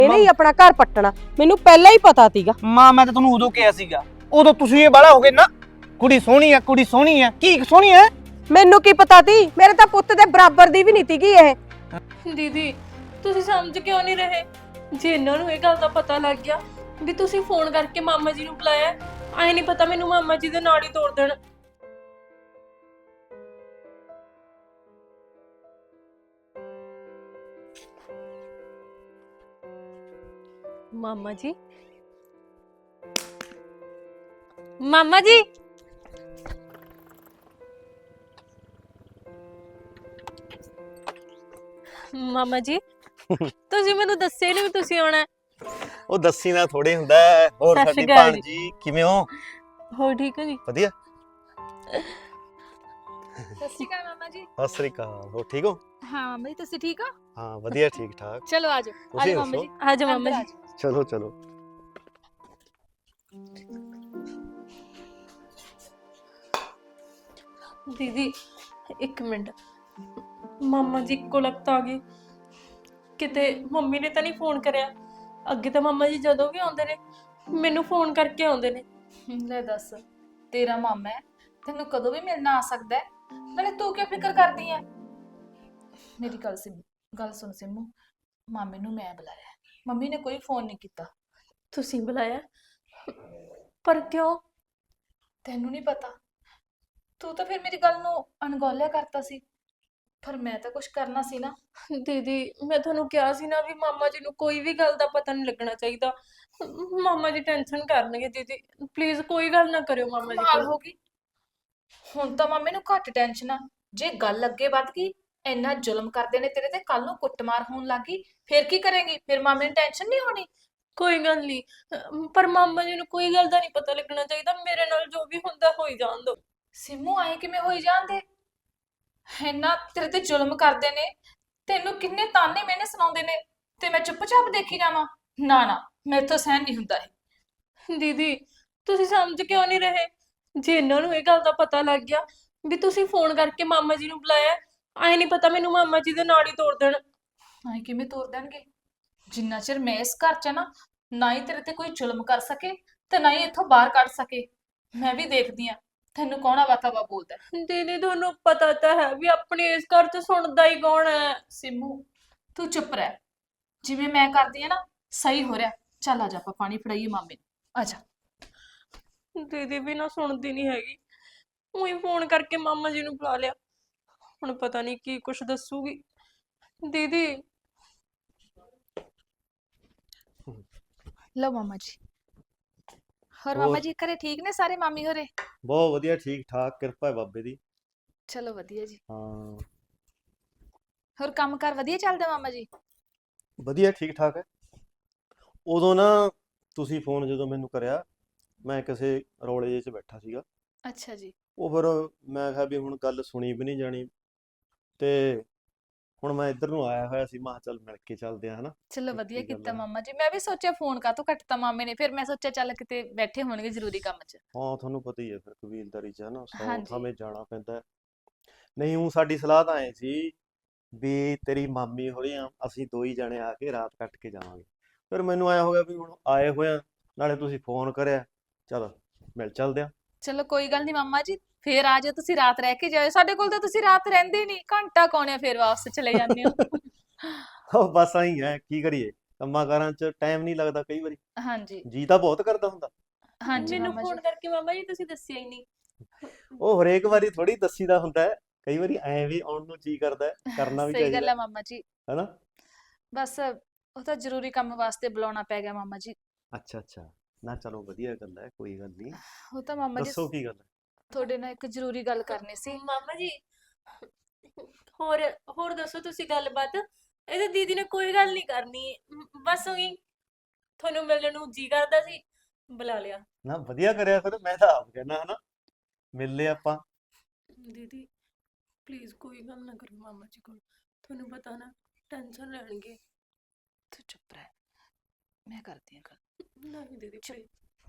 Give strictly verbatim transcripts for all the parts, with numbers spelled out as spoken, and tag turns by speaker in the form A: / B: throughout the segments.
A: ਇਹਨੇ ਹੀ ਆਪਣਾ ਘਰ ਪੱਟਣਾ, ਮੈਨੂੰ ਪਹਿਲਾਂ ਹੀ ਪਤਾ ਸੀਗਾ।
B: ਮਾਂ ਮੈਂ ਤਾਂ ਤੁਹਾਨੂੰ ਉਦੋਂ ਕਿਹਾ ਸੀਗਾ, ਉਦੋਂ ਤੁਸੀਂ ਇਹ ਬਾਲਾ ਹੋ ਗਏ ਨਾ, ਕੁੜੀ ਸੋਹਣੀ ਆ ਕੁੜੀ ਸੋਹਣੀ ਆ। ਕੀ ਸੋਹਣੀ ਆ?
A: ਮੈਨੂੰ ਕੀ ਪਤਾ ਸੀ, ਮੇਰੇ ਤਾਂ ਪੁੱਤ ਦੇ ਬਰਾਬਰ ਦੀ ਵੀ ਨਹੀਂ ਸੀਗੀ ਇਹ।
C: ਦੀਦੀ ਤੁਸੀਂ ਸਮਝ ਕਿਉਂ ਨਹੀਂ ਰਹੇ? ਜੇ ਇਹਨਾਂ ਨੂੰ ਇਹ ਗੱਲ ਦਾ ਪਤਾ ਲੱਗ ਗਿਆ ਵੀ ਤੁਸੀਂ ਫੋਨ ਕਰਕੇ ਮਾਮਾ ਜੀ ਨੂੰ ਬੁਲਾਇਆ, ਆਏ ਨਹੀਂ ਪਤਾ ਮੈਨੂੰ ਮਾਮਾ ਜੀ ਦੇ ਨਾਲ ਹੀ ਤੋੜ ਦੇਣ। ਮਾਮਾ ਜੀ, ਮਾਮਾ ਜੀ, ਮਾਮਾ ਜੀ ਤੁਸੀਂ ਮੈਨੂੰ ਦੱਸਿਆ ਨਹੀਂ ਵੀ ਤੁਸੀਂ ਆਉਣਾ।
B: ਉਹ ਦੱਸੀ ਨਾ ਥੋੜੇ ਹੁੰਦਾ ਹੈ। ਹੋਰ
C: ਸਤਿ
B: ਸਾਡੀ
C: ਸ਼੍ਰੀ ਅਕਾਲ
B: ਭਾਣਜੀ ਕਿਵੇਂ ਹੋ?
C: ਹੋ ਠੀਕ ਹੋ ਜੀ?
B: ਵਧੀਆ।
D: ਸਤਿ ਸ਼੍ਰੀ ਅਕਾਲ ਮਾਮਾ ਜੀ।
B: ਸਤਿ ਸ੍ਰੀ ਅਕਾਲ। ਹੋ ਠੀਕ ਹੋ?
D: ਹਾਂ ਮਾਮਾ ਜੀ, ਤੁਸੀਂ ਠੀਕ ਹੋ?
B: ਹਾਂ ਵਧੀਆ ਠੀਕ ਠਾਕ।
D: ਚਲੋ ਆਜੋ
B: ਤੁਸੀਂ
D: ਆਜੋ ਮਾਮਾ
B: ਦੱਸੋ?
D: ਜੀ।
C: ਆਜੋ ਮਾਮਾ
D: ਅੰਦਰ
C: ਜੀ।
D: ਆਜੋ।
B: ਚਲੋ ਚਲੋ।
C: ਦੀਦੀ ਇੱਕ ਮਿੰਟ, ਮਾਮਾ ਜੀ ਕੋਲ ਲੱਗਤਾ ਆ ਗਏ ਕਿਤੇ ਮੰਮੀ ਨੇ ਤਾਂ ਨਹੀਂ ਫੋਨ ਕਰਿਆ? ਅੱਗੇ ਤਾਂ ਮਾਮਾ ਜੀ ਜਦੋਂ ਵੀ ਆਉਂਦੇ ਨੇ ਮੈਨੂੰ ਫੋਨ ਕਰਕੇ ਆਉਂਦੇ ਨੇ।
D: ਲੈ ਦੱਸ, ਤੇਰਾ ਮਾਮਾ ਹੈ, ਤੈਨੂੰ ਕਦੋਂ ਵੀ ਮਿਲਣਾ ਆ ਸਕਦਾ ਹੈ, ਨਾਲੇ ਤੂੰ ਕਿਉਂ ਫਿਕਰ ਕਰਦੀ ਹੈ? ਮੇਰੀ ਗੱਲ ਸਿਮ ਗੱਲ ਸੁਣ ਸਿੰਮੂ, ਮਾਮੇ ਨੂੰ ਮੈਂ ਬੁਲਾਇਆ, ਮੰਮੀ ਨੇ ਕੋਈ ਫੋਨ ਨਹੀਂ ਕੀਤਾ।
C: ਤੁਸੀਂ ਬੁਲਾਇਆ? ਪਰ ਕਿਉਂ?
D: ਤੈਨੂੰ ਨਹੀਂ ਪਤਾ? ਤੂੰ ਤਾਂ ਫਿਰ ਮੇਰੀ ਗੱਲ ਨੂੰ ਅਣਗੌਲਿਆ ਕਰਤਾ ਸੀ, ਪਰ ਮੈਂ ਤਾਂ ਕੁਝ ਕਰਨਾ ਸੀ ਨਾ।
C: ਦੀਦੀ ਮੈਂ ਤੁਹਾਨੂੰ ਕਿਹਾ ਸੀ ਨਾ ਵੀ ਮਾਮਾ ਜੀ ਨੂੰ ਕੋਈ ਵੀ ਗੱਲ ਦਾ ਪਤਾ ਨਹੀਂ ਲੱਗਣਾ ਚਾਹੀਦਾ। ਮਾਮਾ ਜੀ ਟੈਨਸ਼ਨ ਕਰਨਗੇ। ਦੀਦੀ ਪਲੀਜ਼ ਕੋਈ ਗੱਲ ਨਾ ਕਰਿਓ ਮਾਮਾ ਜੀ
D: ਕਮਾਲ
C: ਕੋਲ।
D: ਹੋ ਗਈ, ਹੁਣ ਤਾਂ ਮਾਮੇ ਨੂੰ ਘੱਟ ਟੈਨਸ਼ਨ ਆ। ਜੇ ਗੱਲ ਅੱਗੇ ਵੱਧ ਗਈ, ਇੰਨਾ ਜ਼ੁਲਮ ਕਰਦੇ ਨੇ ਤੇਰੇ ਤੇ, ਕੱਲ ਨੂੰ ਕੁੱਟਮਾਰ ਹੋਣ ਲੱਗੀ, ਫਿਰ ਕੀ ਕਰੇਂਗੀ? ਫਿਰ ਮਾਮੇ ਨੂੰ ਟੈਨਸ਼ਨ ਨਹੀਂ ਹੋਣੀ?
C: ਕੋਈ ਗੱਲ ਨਹੀਂ, ਪਰ ਮਾਮਾ ਜੀ ਨੂੰ ਕੋਈ ਗੱਲ ਦਾ ਨਹੀਂ ਪਤਾ ਲੱਗਣਾ ਚਾਹੀਦਾ। ਮੇਰੇ ਨਾਲ ਜੋ ਵੀ ਹੁੰਦਾ ਹੋਈ ਜਾਣ ਦਿਓ।
D: ਸਿੰਮੂ ਆਏ ਕਿਵੇਂ ਹੋਈ ਜਾਂਦੇ? ਇੰਨਾ ਤੇਰੇ ਤੇ ਜ਼ੁਲਮ ਕਰਦੇ ਨੇ, ਤੈਨੂੰ ਕਿੰਨੇ ਤਾਨੇ ਮੈਨੇ ਸੁਣਾਉਂਦੇ ਨੇ, ਤੇ ਮੈਂ ਚੁੱਪਚਾਪ ਦੇਖੀ ਜਾਵਾਂ? ਨਾ ਨਾ, ਮੇਰੇ ਤੋਂ ਸਹਿਨ ਨਹੀਂ ਹੁੰਦਾ ਇਹ।
C: ਦੀਦੀ ਤੁਸੀਂ ਸਮਝ ਕਿਉਂ ਨਹੀਂ ਰਹੇ? ਜੇ ਇਹਨਾਂ ਨੂੰ ਇਹ ਗੱਲ ਦਾ ਪਤਾ ਲੱਗ ਗਿਆ ਵੀ ਤੁਸੀਂ ਫੋਨ ਕਰਕੇ ਮਾਮਾ ਜੀ ਨੂੰ ਬੁਲਾਇਆ, ਆਏ ਨਹੀਂ ਪਤਾ ਮੈਨੂੰ ਮਾਮਾ ਜੀ ਦੇ ਨਾਲ ਹੀ ਤੋੜ ਦੇਣ।
D: ਆਏ ਕਿਵੇਂ ਤੋਰ ਦੇਣਗੇ? ਜਿੰਨਾ ਚਿਰ ਮੈਂ ਇਸ ਘਰ 'ਚ ਆ ਨਾ, ਨਾ ਹੀ ਤੇਰੇ ਤੇ ਕੋਈ ਜ਼ੁਲਮ ਕਰ ਸਕੇ ਤੇ ਨਾ ਹੀ ਇੱਥੋਂ ਬਾਹਰ ਕੱਢ ਸਕੇ। ਮੈਂ ਵੀ ਦੇਖਦੀ ਆ ਤੈਨੂੰ ਕੌਣ ਆਵਾ ਤਵਾ ਬੋਲਦਾ ਹੈ।
C: ਦੀਦੀ ਤੁਹਾਨੂੰ ਪਤਾ ਤਾਂ ਹੈ ਵੀ ਆਪਣੇ ਇਸ ਘਰ 'ਚ ਸੁਣਦਾ ਹੀ ਕੌਣ ਹੈ।
D: ਸਿੰਮੂ ਤੂੰ ਚੁੱਪ ਰਹਿ, ਜਿਵੇਂ ਮੈਂ ਕਰਦੀ ਆ ਨਾ ਸਹੀ ਹੋ ਰਿਹਾ। ਚੱਲ ਆ ਜਾ, ਆਪਾਂ ਪਾਣੀ ਫੜਾਈਏ ਮਾਮੇ ਨੂੰ, ਆ ਜਾ।
C: ਦੀਦੀ ਵੀ ਨਾ ਸੁਣਦੀ ਨਹੀਂ ਹੈਗੀ, ਉਹੀ ਫੋਨ ਕਰਕੇ ਮਾਮਾ ਜੀ ਨੂੰ ਬੁਲਾ ਲਿਆ। ਹੁਣ ਪਤਾ ਨਹੀਂ ਕੀ ਕੁਛ ਦੱਸੂਗੀ ਦੀਦੀ।
D: ਲਓ ਮਾਮਾ ਜੀ। ਹੋਰ
B: ਹੋਰ?
D: ਮਾਮਾ ਜੀ ਘਰੇ ਠੀਕ ਨੇ ਸਾਰੇ, ਮਾਮੀ ਹੋਰੇ?
B: ਬਹੁਤ ਵਧੀਆ ਠੀਕ ਠਾਕ, ਕਿਰਪਾ ਹੈ ਬਾਬੇ ਦੀ।
D: ਚਲੋ ਵਧੀਆ ਜੀ।
B: ਹਾਂ
D: ਹੋਰ ਕੰਮਕਾਰ ਵਧੀਆ ਚੱਲਦਾ ਮਾਮਾ ਜੀ?
B: ਵਧੀਆ ਠੀਕ ਠਾਕ ਹੈ। ਉਦੋਂ ਨਾ ਤੁਸੀਂ ਫੋਨ ਜਦੋਂ ਮੈਨੂੰ ਕਰਿਆ, ਮੈਂ ਕਿਸੇ ਰੌਲੇ ਜਿਹੇ 'ਚ ਬੈਠਾ ਸੀਗਾ।
D: ਅੱਛਾ ਜੀ।
B: ਉਹ ਫਿਰ ਮੈਂ ਕਿਹਾ ਵੀ ਹੁਣ ਗੱਲ ਸੁਣੀ ਵੀ ਨਹੀਂ ਜਾਣੀ, ਤੇ ਹੁਣ ਮੈਂ ਇੱਧਰ ਨੂੰ ਆਇਆ ਹੋਇਆ ਸੀ, ਮੈਂ ਕਿਹਾ ਚੱਲ ਮਿਲ ਕੇ ਚੱਲਦੇ ਆ ਹਨਾ।
D: ਚਲੋ
B: ਕੀ
D: ਵਧੀਆ
B: ਗੱਲ
D: ਕੀਤਾ
B: ਹੈ?
D: ਮਾਮਾ ਜੀ। ਮੈਂ ਵੀ ਸੋਚਿਆ ਫੋਨ ਕਾਹਤੋਂ ਕੱਟਤਾ ਮਾਮੇ ਨੇ, ਫਿਰ ਮੈਂ ਸੋਚਿਆ ਚੱਲ ਕਿਤੇ ਬੈਠੇ ਹੋਣਗੇ ਜ਼ਰੂਰੀ ਕੰਮ 'ਚ।
B: ਹਾਂ ਤੁਹਾਨੂੰ ਪਤਾ ਹੀ ਹੈ ਫਿਰ ਕਬੀਲਦਾਰੀ 'ਚ ਹੈ ਨਾ, ਸੌ
D: ਹਾਂਜੀ।
B: ਥਾਵੇਂ ਜਾਣਾ ਪੈਂਦਾ ਹੈ। ਨਹੀਂ ਉਹ ਸਾਡੀ ਸਲਾਹ ਤਾਂ ਐ ਸੀ ਵੀ ਤੇਰੀ ਮਾਮੀ ਹੋਰੀ ਆ, ਅਸੀਂ ਦੋ ਹੀ ਜਣੇ ਆ ਕੇ ਰਾਤ ਕੱਟ ਕੇ ਜਾਵਾਂਗੇ। ਫਿਰ ਮੈਨੂੰ ਆਇਆ ਹੋ ਗਿਆ ਵੀ ਹੁਣ ਆਏ ਹੋਇਆ, ਨਾਲੇ ਤੁਸੀਂ ਫੋਨ ਕਰਿਆ, ਚਲ ਮਿਲ ਚੱਲਦੇ ਆ।
D: ਚਲੋ ਕੋਈ ਗੱਲ ਨਹੀਂ ਮਾਮਾ ਜੀ, ਫੇਰ ਆ ਜਾਓ, ਤੁਸੀਂ ਰਾਤ ਰਹਿ ਕੇ ਜਾਇਓ। ਸਾਡੇ ਕੋਲ ਤਾਂ ਤੁਸੀਂ ਰਾਤ ਰਹਿੰਦੇ ਹੀ ਨਹੀਂ, ਘੰਟਾ ਕੌਣਿਆ ਫੇਰ ਵਾਪਸ ਚਲੇ ਜਾਂਦੇ ਹੋ।
B: ਉਹ ਬਸ ਆਈ ਹੈ, ਕੀ ਕਰੀਏ, ਕੰਮਾਂ ਕਾਰਾਂ 'ਚ ਟਾਈਮ ਨਹੀਂ ਲੱਗਦਾ ਕਈ ਵਾਰੀ,
D: ਹਾਂਜੀ
B: ਜੀ ਤਾਂ ਬਹੁਤ ਕਰਦਾ ਹੁੰਦਾ।
D: ਹਾਂਜੀ
C: ਮੈਨੂੰ
D: ਮਾਮਾ
C: ਫੋਨ
D: ਜੀ।
C: ਕਰਕੇ ਮਾਮਾ ਜੀ ਤੁਸੀਂ ਦੱਸਿਆ ਹੀ ਨਹੀਂ।
B: ਉਹ ਹਰੇਕ ਵਾਰੀ ਥੋੜੀ ਦੱਸੀਦਾ ਹੁੰਦਾ ਹੈ, ਕਈ ਵਾਰੀ ਐਂ ਵੀ ਆਉਣ ਨੂੰ ਜੀ ਕਰਦਾ ਹੈ, ਕਰਨਾ ਵੀ
D: ਸਹੀ ਗੱਲ
B: ਚਾਹੀਦਾ
D: ਹੈ ਮਾਮਾ ਜੀ,
B: ਹੈਨਾ।
D: ਬਸ ਉਹ ਤਾਂ ਜ਼ਰੂਰੀ ਕੰਮ ਵਾਸਤੇ ਬੁਲਾਉਣਾ ਪੈ ਗਿਆ ਮਾਮਾ ਜੀ।
B: ਅੱਛਾ ਅੱਛਾ, ਨਾ ਚਲੋ ਵਧੀਆ ਗੱਲ ਹੈ, ਕੋਈ ਗੱਲ ਨਹੀਂ।
D: ਉਹ ਤਾਂ ਮਾਮਾ ਜੀ
B: ਦੱਸੋ ਕੀ ਗੱਲ ਹੈ?
D: ਤੁਹਾਡੇ ਨਾਲ ਇੱਕ ਜ਼ਰੂਰੀ ਗੱਲ ਕਰਨੀ ਸੀ।
C: ਮਾਮਾ ਜੀ ਹੋਰ ਹੋਰ ਦੱਸੋ ਤੁਸੀਂ ਗੱਲਬਾਤ। ਇਹਦੇ ਦੀਦੀ ਨੇ ਕੋਈ ਗੱਲ ਨਹੀਂ ਕਰਨੀ, ਮ- ਬਸ ਉਹੀ ਤੁਹਾਨੂੰ ਮਿਲਣ ਨੂੰ ਜੀ ਕਰਦਾ ਸੀ, ਬੁਲਾ ਲਿਆ।
B: ਨਾ ਵਧੀਆ ਕਰਿਆ, ਫਿਰ ਮੈਂ ਤਾਂ ਆਪ ਕਹਿਣਾ ਹਨਾ, ਮਿਲ ਲਏ ਆਪਾਂ।
C: ਦੀਦੀ ਪਲੀਜ਼ ਕੋਈ ਗੱਲ ਨਾ ਕਰੋ ਮਾਮਾ ਜੀ ਕੋਲ, ਤੁਹਾਨੂੰ ਪਤਾ ਨਾ ਟੈਨਸ਼ਨ ਲੈਣਗੇ।
D: ਤੂੰ ਚੁੱਪ ਰਹਿ, ਮੈਂ ਕਰਦੀ ਹਾਂ ਗੱਲ।
C: ਨਹੀਂ ਦੀਦੀ please।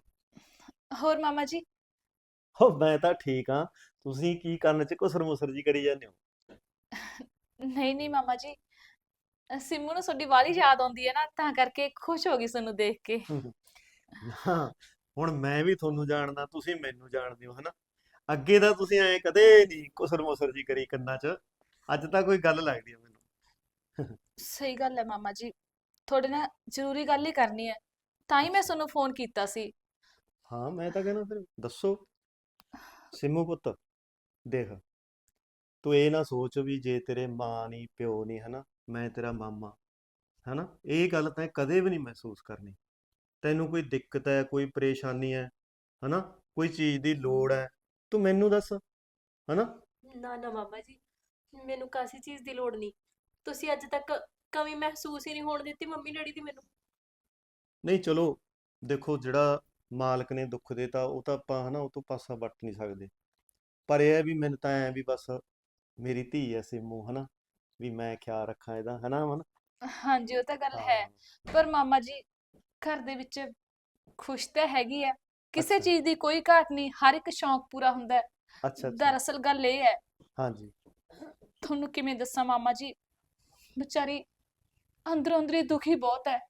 D: ਹੋਰ ਮਾਮਾ ਜੀ?
B: ਹੋ ਮੈਂ ਤਾਂ ਠੀਕ ਹਾਂ, ਤੁਸੀਂ ਕੀ ਕਰਨ 'ਚ ਘੁਸਰ ਮੁਸਰ ਜੀ ਕਰੀ ਜਾਂਦੇ ਹੋ?
D: ਨਹੀਂ ਨਹੀਂ ਮਾਮਾ ਜੀ, ਅ, ਸਿੰਮੂ ਨੂੰ ਤੁਹਾਡੀ ਵਾਲੀ ਯਾਦ ਆਉਂਦੀ ਹੈ ਨਾ, ਤਾਂ ਕਰਕੇ ਖੁਸ਼ ਹੋ ਗਈ ਤੁਹਾਨੂੰ ਦੇਖ ਕੇ।
B: ਹਾਂ, ਹੁਣ ਮੈਂ ਵੀ ਤੁਹਾਨੂੰ ਜਾਣਦਾ, ਤੁਸੀਂ ਮੈਨੂੰ ਜਾਣਦੇ ਹੋ, ਹਨਾ। ਅੱਗੇ ਤਾਂ ਤੁਸੀਂ ਐ ਕਦੇ ਨਹੀਂ ਕੁਸਰ ਮੁਸਰ ਜੀ ਕਰੀ ਕੰਨਾਂ 'ਚ। ਅੱਜ ਤਾਂ ਕੋਈ ਗੱਲ ਲੱਗਦੀ ਆ ਮੈਨੂੰ।
D: ਸਹੀ ਗੱਲ ਹੈ ਮਾਮਾ ਜੀ, ਤੁਹਾਡੇ ਨਾਲ ਜ਼ਰੂਰੀ ਗੱਲ ਹੀ ਕਰਨੀ ਹੈ, ਤਾਂ ਹੀ ਮੈਂ
B: ਅੱਛਾ।
D: ਤੁਹਾਨੂੰ ਫੋਨ ਕੀਤਾ ਸੀ।
B: ਹਾਂ, ਮੈਂ ਤਾਂ ਕਹਿੰਦਾ ਫਿਰ ਦੱਸੋ। ਸਿੰਮੂ ਪੁੱਤ, ਦੇਖ, ਤੂੰ ਇਹ ਨਾ ਸੋਚ ਵੀ ਜੇ ਤੇਰੇ ਮਾਂ ਨਹੀਂ ਪਿਓ ਨਹੀਂ, ਹਨਾ, ਮੈਂ ਤੇਰਾ ਮਾਮਾ, ਹਨਾ, ਇਹ ਗੱਲ ਤੈਂ ਕਦੇ ਵੀ ਨਹੀਂ ਮਹਿਸੂਸ ਕਰਨੀ। ਤੈਨੂੰ ਕੋਈ ਦਿੱਕਤ ਹੈ, ਕੋਈ ਪਰੇਸ਼ਾਨੀ ਹੈ, ਹਨਾ, ਕੋਈ ਚੀਜ਼ ਦੀ ਲੋੜ ਹੈ, ਤੂੰ ਮੈਨੂੰ ਦੱਸ, ਹਨਾ।
C: ਨਾ ਨਾ ਮਾਮਾ ਜੀ, ਮੈਨੂੰ ਕਾਸੀ ਚੀਜ਼ ਦੀ ਲੋੜ ਨਹੀਂ। ਤੁਸੀਂ ਅੱਜ ਤੱਕ ਕਮੀ ਮਹਿਸੂਸ ਹੀ ਨਹੀਂ ਹੋਣ ਦਿੱਤੀ ਮੰਮੀ ਡੈਡੀ ਦੀ ਮੈਨੂੰ।
B: ਨਹੀਂ ਚਲੋ, ਦੇਖੋ, ਜਿਹੜਾ ਮਾਲਕ ਨੇ ਦੁੱਖ ਦੇਤਾ ਉਹ ਤਾਂ ਆਪਾਂ, ਹਨਾ, ਉਹ ਤੋਂ ਪਾਸਾ ਵੱਟ ਨਹੀਂ ਸਕਦੇ। ਪਰ ਇਹ ਹੈ ਵੀ ਮੈਨੂੰ ਤਾਂ ਐ ਵੀ ਬਸ ਮੇਰੀ ਧੀ ਐ ਸਿੰਮੂ, ਹਨਾ, ਵੀ ਮੈਂ ਖਿਆਲ ਰੱਖਾਂ ਇਹਦਾ, ਹਨਾ ਮਨ।
D: ਹਾਂਜੀ, ਉਹ ਤਾਂ ਗੱਲ ਹੈ,
B: ਹਾਂ।
D: ਪਰ ਮਾਮਾ ਜੀ ਘਰ ਦੇ ਵਿੱਚ ਖੁਸ਼ ਤਾਂ ਹੈਗੀ ਹੈ, ਕਿਸੇ
B: ਅੱਛਾ।
D: ਚੀਜ਼ ਦੀ ਕੋਈ ਘਾਟ ਨਹੀਂ, ਹਰ ਇੱਕ ਸ਼ੌਂਕ ਪੂਰਾ ਹੁੰਦਾ ਹੈ।
B: ਅੱਛਾ ਅੱਛਾ।
D: ਦਰਅਸਲ ਗੱਲ ਇਹ ਹੈ,
B: ਹਾਂਜੀ।
D: ਤੁਹਾਨੂੰ ਕਿਵੇਂ ਦੱਸਾਂ ਮਾਮਾ ਜੀ, ਵਿਚਾਰੀ ਅੰਦਰੋਂ ਅੰਦਰੀ ਦੁਖੀ ਬਹੁਤ ਹੈ।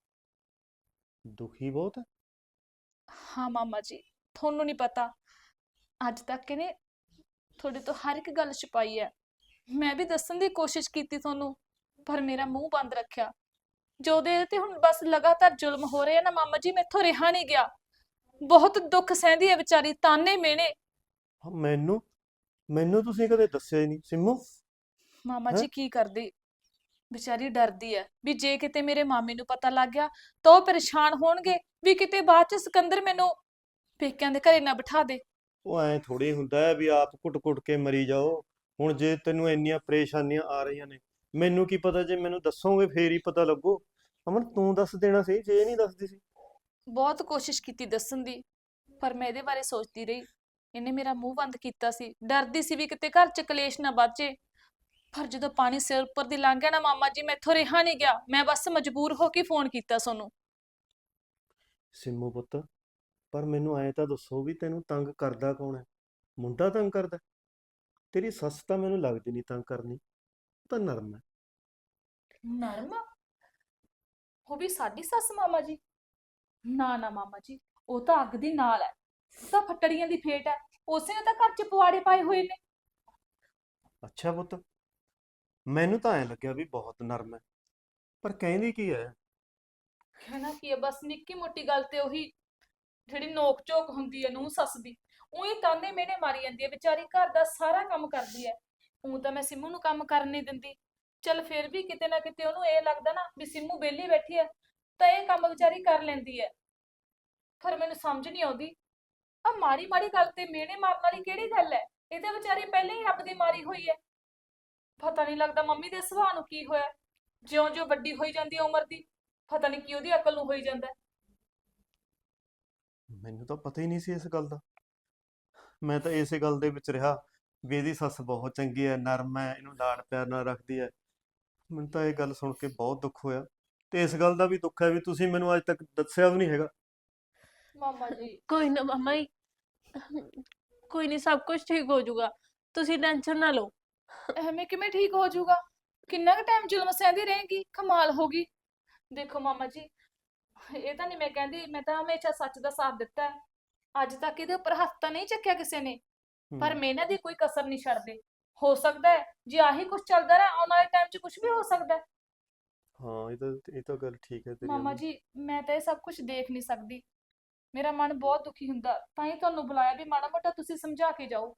B: ਦੁਖੀ ਬਹੁਤ ਹੈ।
D: ਹਾਂ ਮਾਮਾ ਜੀ, ਤੁਹਾਨੂੰ ਨਹੀਂ ਪਤਾ, ਅੱਜ ਤੱਕ ਇਹਨੇ ਤੁਹਾਡੇ ਤੋਂ ਹਰ ਇੱਕ ਗੱਲ ਛੁਪਾਈ ਹੈ। ਮੈਂ ਵੀ ਦੱਸਣ ਦੀ ਕੋਸ਼ਿਸ਼ ਕੀਤੀ ਤੁਹਾਨੂੰ, ਪਰ ਮੇਰਾ ਮੂੰਹ ਬੰਦ ਰੱਖਿਆ। ਜੋ ਦੇ ਤੇ ਹੁਣ ਬਸ ਲਗਾਤਾਰ ਜ਼ੁਲਮ ਹੋ ਰਹੇ ਆ ਨਾ ਮਾਮਾ ਜੀ, ਮੈਥੋਂ ਰਿਹਾ ਨਹੀਂ ਗਿਆ। ਬਹੁਤ ਦੁੱਖ ਸਹਿੰਦੀ ਹੈ ਵਿਚਾਰੀ, ਤਾਨੇ ਮਿਹਣੇ।
B: ਹਾਂ, ਮੈਨੂੰ ਮੈਨੂੰ ਤੁਸੀਂ ਕਦੇ ਦੱਸਿਆ ਹੀ ਨਹੀਂ ਸਿੰਮੂ।
D: ਮਾਮਾ
B: ਹੈ।
D: ਜੀ ਕੀ ਕਰਦੀ, ਵਿਚਾਰੀ ਡਰਦੀ ਹੈ ਵੀ ਜੇ ਕਿਤੇ ਮੇਰੇ ਮਾਮੇ ਨੂੰ ਪਤਾ ਲੱਗ ਗਿਆ ਤਾਂ ਉਹ ਪਰੇਸ਼ਾਨ ਹੋਣਗੇ, ਵੀ ਕਿਤੇ ਬਾਅਦ ਚ ਸਿਕੰਦਰ ਮੈਨੂੰ ਪੇਕਿਆਂ ਦੇ ਘਰੇ ਨਾ ਬਿਠਾ ਦੇ।
B: ਉਹ ਐ ਥੋੜੀ ਹੁੰਦਾ ਹੈ ਵੀ ਆਪ ਘੁੱਟ-ਘੁੱਟ ਕੇ ਮਰੀ ਜਾਓ। ਹੁਣ ਜੇ ਤੈਨੂੰ ਇੰਨੀਆਂ ਪਰੇਸ਼ਾਨੀਆਂ ਆ ਰਹੀਆਂ ਨੇ, ਮੈਨੂੰ ਕੀ ਪਤਾ, ਜੇ ਮੈਨੂੰ ਦੱਸੋਗੇ ਫੇਰ ਹੀ ਪਤਾ ਲੱਗੂ। ਅਮਨ, ਤੂੰ ਦੱਸ ਦੇਣਾ ਸੀ ਜੇ ਇਹ ਨਹੀਂ ਦੱਸਦੀ ਸੀ।
D: ਬਹੁਤ ਕੋਸ਼ਿਸ਼ ਕੀਤੀ ਦੱਸਣ ਦੀ, ਪਰ ਮੈਂ ਇਹਦੇ ਬਾਰੇ ਸੋਚਦੀ ਰਹੀ। ਇਹਨੇ ਮੇਰਾ ਮੂੰਹ ਬੰਦ ਕੀਤਾ ਸੀ, ਡਰਦੀ ਸੀ ਵੀ ਕਿਤੇ ਘਰ ਚ ਕਲੇਸ਼ ਨਾ ਬਾਚੇ। ਪਰ ਜਦੋਂ ਪਾਣੀ ਸਿਰ ਉੱਪਰ ਦੀ ਲੰਘ ਗਿਆ ਨਾ ਮਾਮਾ ਜੀ, ਮੈਥੋਂ ਰਿਹਾ ਨਹੀਂ ਗਿਆ। ਮੈਂ ਬਸ ਮਜਬੂਰ ਹੋ ਕੇ ਫੋਨ ਕੀਤਾ ਤੁਹਾਨੂੰ।
B: ਸਿੰਮੂ ਪੁੱਤ, ਪਰ ਮੈਨੂੰ ਐਂ ਤਾਂ ਦੱਸੋ ਵੀ ਤੈਨੂੰ ਤੰਗ ਕਰਦਾ ਕੌਣ ਹੈ? ਮੁੰਡਾ ਤੰਗ ਕਰਦਾ? ਤੇਰੀ ਸੱਸ ਤਾਂ ਮੈਨੂੰ ਲੱਗਦੀ ਨਹੀਂ ਤੰਗ ਕਰਨੀ, ਉਹ ਤਾਂ ਨਰਮ ਹੈ।
D: ਨਰਮ? ਉਹ ਵੀ ਸਾਡੀ ਸੱਸ ਮਾਮਾ ਜੀ? ਨਾ ਨਾ ਮਾਮਾ ਜੀ, ਉਹ ਤਾਂ ਅੱਗ ਦੀ ਨਾਲ ਹੈ, ਉਹ ਤਾਂ ਫੱਟੜੀਆਂ ਦੀ ਫੇਟ ਹੈ। ਉਸੇ ਨੇ ਤਾਂ ਘਰ ਚ ਪਵਾੜੇ ਪਾਏ ਹੋਏ ਨੇ।
B: ਅੱਛਾ ਪੁੱਤ, ਮੈਨੂੰ ਤਾਂ ਐਂ ਲੱਗਿਆ ਵੀ ਬਹੁਤ ਨਰਮ ਹੈ, ਪਰ ਕਹਿੰਦੀ ਕੀ ਹੈ?
D: ਕਹਿਣਾ ਕੀ ਹੈ, ਬਸ ਨਿੱਕੀ ਮੋਟੀ ਗੱਲ ਤੇ ਉਹੀ ਜਿਹੜੀ ਨੋਕ ਝੋਕ ਹੁੰਦੀ ਹੈ ਨੂੰਹ ਸੱਸ ਦੀ, ਉਹੀ ਤਾਨੇ ਮਿਹਣੇ ਮਾਰੀ ਜਾਂਦੀ ਹੈ। ਵਿਚਾਰੀ ਘਰ ਦਾ ਸਾਰਾ ਕੰਮ ਕਰਦੀ ਹੈ, ਉਹ ਤਾਂ ਮੈਂ ਸਿੰਮੂ ਨੂੰ ਕੰਮ ਕਰਨ ਨਹੀਂ ਦਿੰਦੀ। ਚੱਲ ਫਿਰ ਵੀ ਕਿਤੇ ਨਾ ਕਿਤੇ ਉਹਨੂੰ ਇਹ ਲੱਗਦਾ ਨਾ ਵੀ ਸਿੰਮੂ ਵਿਹਲੀ ਬੈਠੀ ਹੈ, ਤਾਂ ਇਹ ਕੰਮ ਵਿਚਾਰੀ ਕਰ ਲੈਂਦੀ ਹੈ। ਪਰ ਮੈਨੂੰ ਸਮਝ ਨਹੀਂ ਆਉਂਦੀ, ਆ ਮਾੜੀ ਮਾੜੀ ਗੱਲ ਤੇ ਮਿਹਣੇ ਮਾਰਨ ਵਾਲੀ ਕਿਹੜੀ ਗੱਲ ਹੈ? ਇਹ ਤਾਂ ਵਿਚਾਰੀ ਪਹਿਲਾਂ ਹੀ ਰੱਬ ਦੀ ਮਾਰੀ ਹੋਈ ਹੈ। ਪਤਾ ਨਹੀਂ ਲੱਗਦਾ ਮੰਮੀ ਦੇ ਸੁਭਾਅ ਨੂੰ ਕੀ ਹੋਇਆ, ਜਿਉਂ-ਜਿਉਂ ਵੱਡੀ ਹੋਈ ਜਾਂਦੀ ਹੈ ਉਮਰ ਦੀ, ਪਤਾ ਨਹੀਂ ਕੀ ਉਹਦੀ ਅਕਲ ਨੂੰ ਹੋਈ ਜਾਂਦਾ ਹੈ।
B: ਮੈਨੂੰ ਤਾਂ ਪਤਾ ਹੀ ਨਹੀਂ ਸੀ ਇਸ ਗੱਲ ਦਾ। ਮੈਂ ਤਾਂ ਇਸੇ ਗੱਲ ਦੇ ਵਿੱਚ ਰਿਹਾ ਵੀ ਇਹਦੀ ਸੱਸ ਬਹੁਤ ਚੰਗੀ ਹੈ, ਨਰਮ ਹੈ, ਇਹਨੂੰ ਲਾਡ ਪਿਆਰ ਨਾਲ ਰੱਖਦੀ ਹੈ। ਮੈਨੂੰ ਤਾਂ ਇਹ ਗੱਲ ਸੁਣ ਕੇ ਬਹੁਤ ਦੁੱਖ ਹੋਇਆ, ਤੇ ਇਸ ਗੱਲ ਦਾ ਵੀ ਦੁੱਖ ਹੈ ਵੀ ਤੁਸੀਂ ਮੈਨੂੰ ਅੱਜ ਤੱਕ ਦੱਸਿਆ ਵੀ ਨਹੀਂ ਹੈਗਾ।
D: ਮਾਮਾ ਜੀ
C: ਕੋਈ ਨਾ ਮਾਮਾ ਜੀ, ਕੋਈ ਨਹੀਂ, ਸਭ ਕੁਝ ਠੀਕ ਹੋ ਜਾਊਗਾ। ਤੁਸੀਂ ਟੈਨਸ਼ਨ ਨਾ ਲਓ।
D: ਐਵੇਂ ਕਿਵੇਂ ਠੀਕ ਹੋ ਜਾਊਗਾ? ਕਿੰਨਾ ਕੁ ਟਾਈਮ ਜ਼ੁਲਮ ਸਹਿੰਦੀ ਰਹੇਗੀ? ਕਮਾਲ ਹੋ ਗਈ। ਦੇਖੋ ਮਾਮਾ ਜੀ, ਇਹ ਤਾਂ ਨਹੀਂ ਮੈਂ ਕਹਿੰਦੀ, ਮੈਂ ਤਾਂ ਹਮੇਸ਼ਾ ਸੱਚ ਦਾ ਸਾਥ ਦਿੱਤਾ ਹੈ। ਅੱਜ ਤੱਕ ਇਹਦੇ ਉੱਪਰ ਹੱਥ ਤਾਂ ਨਹੀਂ ਚੱਕਿਆ ਕਿਸੇ ਨੇ, ਪਰ
B: ਹੂੰ।
D: ਮਿਹਨਤ ਦੀ ਕੋਈ ਕਸਰ ਨਹੀਂ ਛੱਡਦੇ। ਹੋ ਸਕਦਾ ਹੈ ਜੇ ਆਹੀ ਕੁਝ ਚੱਲਦਾ ਰਿਹਾ, ਆਉਣ ਵਾਲੇ ਟਾਈਮ 'ਚ ਕੁਝ ਵੀ ਹੋ ਸਕਦਾ ਹੈ।
B: ਹਾਂ, ਇਹ ਤਾਂ ਇਹ ਤਾਂ ਗੱਲ ਠੀਕ ਹੈ ਤੇਰੀ
D: ਮਾਮਾ
B: ਅਮਨ।
D: ਜੀ, ਮੈਂ ਤਾਂ ਇਹ ਸਭ ਕੁਝ ਦੇਖ ਨਹੀਂ ਸਕਦੀ, ਮੇਰਾ ਮਨ ਬਹੁਤ ਦੁਖੀ ਹੁੰਦਾ, ਤਾਂ ਹੀ ਤੁਹਾਨੂੰ ਬੁਲਾਇਆ ਵੀ ਮਾੜਾ ਮੋਟਾ ਤੁਸੀਂ ਸਮਝਾ ਕੇ ਜਾਓ।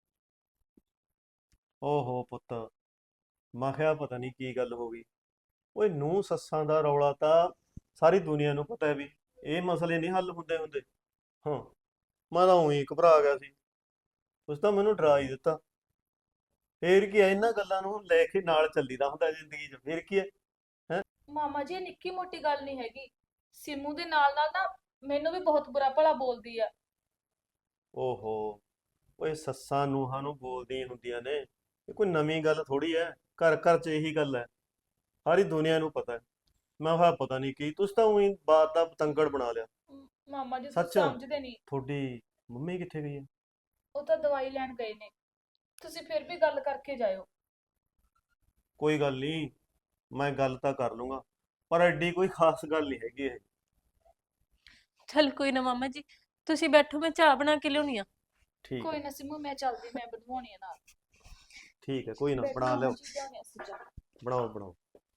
B: ਓਹੋ ਪੁੱਤ, ਮੈਂ ਕਿਹਾ ਪਤਾ ਨਹੀਂ ਕੀ ਗੱਲ ਹੋ ਗਈ। ਓਏ, ਨੂੰਹ ਸੱਸਾਂ ਦਾ ਰੌਲਾ ਤਾਂ ਸਾਰੀ ਦੁਨੀਆ ਨੂੰ ਪਤਾ ਹੈ ਵੀ ਇਹ ਮਸਲੇ ਨਹੀਂ ਹੱਲ ਹੁੰਦੇ ਹੁੰਦੇ। ਹਾਂ, ਮੈਂ ਤਾਂ ਉਹੀ ਘਬਰਾ ਗਿਆ ਸੀ, ਤੁਸੀਂ ਤਾਂ ਮੈਨੂੰ ਡਰਾ ਹੀ ਦਿੱਤਾ। ਫੇਰ ਕੀ ਹੈ, ਇਹਨਾਂ ਗੱਲਾਂ ਨੂੰ ਲੈ ਕੇ ਨਾਲ ਚੱਲੀਦਾ ਹੁੰਦਾ ਜ਼ਿੰਦਗੀ 'ਚ, ਫੇਰ ਕੀ ਹੈ। ਹੈ।
D: ਮਾਮਾ ਜੀ, ਇਹ ਨਿੱਕੀ ਮੋਟੀ ਗੱਲ ਨਹੀਂ ਹੈਗੀ। ਸਿੰਮੂ ਦੇ ਨਾਲ ਨਾਲ ਨਾ ਮੈਨੂੰ ਵੀ ਬਹੁਤ ਬੁਰਾ ਭਲਾ ਬੋਲਦੀ ਆ।
B: ਓਹੋ, ਓਏ, ਸੱਸਾਂ ਨੂੰਹਾਂ ਨੂੰ ਬੋਲਦੀਆਂ ਹੁੰਦੀਆਂ ਨੇ, ਇਹ ਕੋਈ ਨਵੀਂ ਗੱਲ ਥੋੜੀ ਹੈ। ਘਰ ਘਰ 'ਚ ਇਹੀ ਗੱਲ ਹੈ, ਸਾਰੀ ਦੁਨੀਆ ਨੂੰ ਪਤਾ ਹੈ। ਮੈਂ ਕਿਹਾ ਪਤਾ ਨਹੀਂ ਕੀ, ਤੁਸੀਂ ਤਾਂ ਉਹੀ ਬਾਤ ਦਾ ਪਤੰਗੜ ਬਣਾ ਲਿਆ।
D: ਮ- ਮਾਮਾ ਜੀ ਤੁਸੀਂ
B: ਸੱਚ,
D: ਸਮਝਦੇ ਨਹੀਂ।
B: ਤੁਹਾਡੀ ਮੰਮੀ ਕਿੱਥੇ ਗਈ ਹੈ?
D: ਉਹ ਤਾਂ ਦਵਾਈ ਲੈਣ ਗਏ ਨੇ, ਤੁਸੀਂ ਫਿਰ ਵੀ ਗੱਲ ਕਰਕੇ ਜਾਇਓ।
B: ਕੋਈ ਗੱਲ ਨਹੀਂ, ਮੈਂ ਗੱਲ ਤਾਂ ਕਰ ਲੂੰਗਾ, ਪਰ ਐਡੀ ਕੋਈ ਖਾਸ ਗੱਲ ਨਹੀਂ ਹੈਗੀ ਇਹ।
C: ਚਲ ਕੋਈ ਨਾ ਮਾਮਾ ਜੀ, ਤੁਸੀਂ ਬੈਠੋ, ਮੈਂ ਚਾਹ ਬਣਾ ਕੇ ਲਿਆਉਣੀ ਆ।
B: ਠੀਕ
D: ਕੋਈ
B: ਹੈ,
D: ਨਾ ਸਿੰਮੂ, ਮੈਂ ਚੱਲਦੀ, ਮੈਂ ਬਣਵਾਉਣੀ ਆ ਨਾਲ।
B: ਠੀਕ ਹੈ, ਕੋਈ ਨਾ,
D: ਬੈਠੋ
B: ਬਣਾ
D: ਮਾਮਾ
B: ਲਿਓ,
D: ਜੀ, ਲਿਆਉਂਦੇ ਅਸੀਂ ਚਾਹ।
B: ਬਣਾਓ ਬਣਾਓ।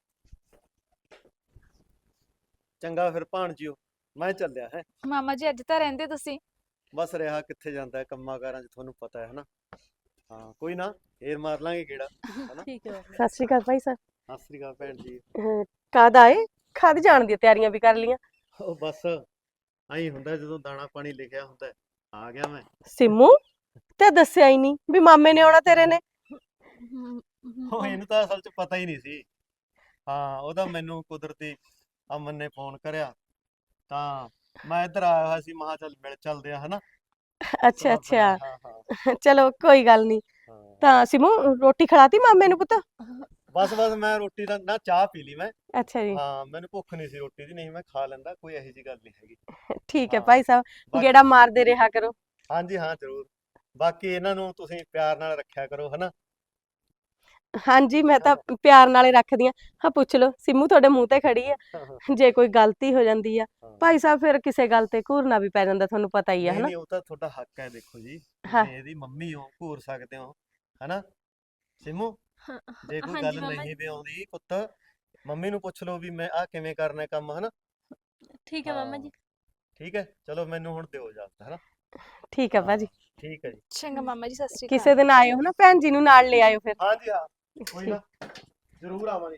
B: ਚੰਗਾ ਫਿਰ ਭਾਣਜੀਓ, ਮੈਂ ਚੱਲਿਆ ਹੈ।
D: ਮਾਮਾ ਜੀ ਅੱਜ ਤਾਂ ਰਹਿੰਦੇ ਤੁਸੀਂ?
B: ਬਸ ਰਿਹਾ ਕਿੱਥੇ ਜਾਂਦਾ ਹੈ, ਕੰਮਾਂ ਕਾਰਾਂ 'ਚ ਤੁਹਾਨੂੰ ਪਤਾ ਹੈ ਹਨਾ। ਹਾਂ ਕੋਈ ਨਾ, ਫੇਰ ਮਾਰ ਲਾਂਗੇ ਗੇੜਾ ਹਨਾ।
C: ਠੀਕ ਹੈ ਮਾਮਾ
A: ਸਤਿ ਸ਼੍ਰੀ ਅਕਾਲ ਭਾਈ ਸਾਹਿਬ।
B: ਸਤਿ ਸ੍ਰੀ ਅਕਾਲ ਭੈਣ ਜੀ।
A: ਅਹ, ਕਦ ਆਏ? ਕਦ ਜਾਣ ਦੀਆਂ ਤਿਆਰੀਆਂ ਵੀ ਕਰ ਲੀਆਂ?
B: ਉਹ ਬਸ ਆਈ ਹੁੰਦਾ ਜਦੋਂ ਦਾਣਾ ਪਾਣੀ ਲਿਖਿਆ ਹੁੰਦਾ ਹੈ। ਆ ਗਿਆ ਮੈਂ।
A: ਸਿੰਮੂ ਤੇ ਦੱਸਿਆ ਹੀ ਨਹੀਂ ਵੀ ਮਾਮੇ ਨੇ ਆਉਣਾ ਤੇਰੇ ਨੇ।
B: ਉਹ ਇਹਨੂੰ ਤਾਂ ਅਸਲ 'ਚ ਪਤਾ ਹੀ ਨਹੀਂ ਸੀ। ਹਾਂ ਉਹਦਾ ਮੈਨੂੰ ਕੁਦਰਤੀ ਅਮਨ ਨੇ ਫੋਨ ਕਰਿਆ, ਤਾਂ ਮੈਂ ਇੱਧਰ ਆਇਆ ਹੋਇਆ ਸੀ, ਮਹਾ ਚੱਲ ਮਿਲ ਚੱਲਦੇ ਆ ਹਨਾ।
A: ਅੱਛਾ ਅੱਛਾ,
B: ਹਾਂ ਹਾਂ
A: ਚਲੋ ਕੋਈ ਗੱਲ ਨਹੀਂ।
B: ਹਾਂ।
A: ਤਾਂ ਸਿੰਮੂ ਰੋਟੀ ਖਿਲਾਤੀ ਮਾਮੇ ਨੂੰ ਪੁੱਤ?
B: ਬਸ ਬਸ ਮੈਂ ਰੋਟੀ ਦਾ ਨਾ ਚਾਹ ਪੀ ਲਈ ਮੈਂ।
A: ਅੱਛਾ ਜੀ,
B: ਹਾਂ ਮੈਨੂੰ ਭੁੱਖ ਨਹੀਂ ਸੀ ਰੋਟੀ ਦੀ, ਨਹੀਂ ਮੈਂ ਖਾ ਲੈਂਦਾ, ਕੋਈ ਇਹੋ ਜਿਹੀ ਗੱਲ ਨਹੀਂ ਹੈਗੀ।
A: ਠੀਕ ਹੈ
B: ਹਾਂ।
A: ਭਾਈ ਸਾਹਿਬ,
B: ਬਾਕੀ-
A: ਗੇੜਾ ਮਾਰਦੇ ਰਿਹਾ ਕਰੋ।
B: ਹਾਂਜੀ ਹਾਂ ਜ਼ਰੂਰ। ਬਾਕੀ ਇਹਨਾਂ ਨੂੰ ਤੁਸੀਂ ਪਿਆਰ ਨਾਲ ਰੱਖਿਆ ਕਰੋ ਹਨਾ।
A: ਹਾਂਜੀ ਮੈਂ ਤਾਂ ਪਿਆਰ ਨਾਲ ਹੀ ਰੱਖਦੀ ਆ। ਹਾਂ ਪੁੱਛ ਲਓ, ਸਿੰਮੂ ਤੁਹਾਡੇ ਮੂੰਹ ਤੇ ਖੜੀ ਆ, ਜੇ ਕੋਈ ਗਲਤੀ ਹੋ ਜਾਂਦੀ ਆ ਭਾਈ ਸਾਹਿਬ ਫਿਰ ਕਿਸੇ ਗੱਲ ਤੇ ਘੂਰਨਾ ਵੀ ਪੈ ਜਾਂਦਾ, ਤੁਹਾਨੂੰ ਪਤਾ ਹੀ ਆ
B: ਨਹੀਂ
A: ਹਨਾ।
B: ਨਹੀਂ ਉਹ ਤਾਂ ਤੁਹਾਡਾ ਹੱਕ ਹੈ, ਦੇਖੋ ਜੀ
A: ਹਾਂ।
B: ਤੁਸੀਂ ਇਹਦੀ ਮੰਮੀ ਹੋ, ਘੂਰ ਸਕਦੇ ਹੋ ਹਨਾ। ਸਿੰਮੂ
C: ਹਾਂ,
B: ਜੇ ਕੋਈ
C: ਹਾਂਜੀ
B: ਗੱਲ
C: ਮਾਮਾ
B: ਨਹੀਂ ਵੀ ਆਉਂਦੀ ਪੁੱਤ, ਮੰਮੀ ਨੂੰ ਪੁੱਛ ਲਓ ਵੀ ਮੈਂ ਆਹ ਕਿਵੇਂ ਕਰਨਾ ਹੈ ਕੰਮ ਹਨਾ।
C: ਠੀਕ ਹੈ ਮਾਮਾ
B: ਹਾਂ,
C: ਜੀ।
B: ਠੀਕ ਹੈ, ਚਲੋ ਮੈਨੂੰ ਹੁਣ ਦਿਓ ਇਜਾਜ਼ਤ ਹਨਾ।
A: ਠੀਕ ਹੈ ਭਾਜੀ,
B: ਠੀਕ ਹੈ ਜੀ।
D: ਚੰਗਾ ਮਾਮਾ ਜੀ, ਸਤਿ ਸ਼੍ਰੀ ਅਕਾਲ।
A: ਕਿਸੇ ਦਿਨ ਆਇਓ ਹਨਾ, ਭੈਣ ਜੀ ਨੂੰ ਨਾਲ ਲੈ ਆਇਓ ਫਿਰ।
B: ਹਾਂਜੀ ਹਾਂ ਕੋਈ ਨਾ, ਜ਼ਰੂਰ ਆਵਾਂਗੇ।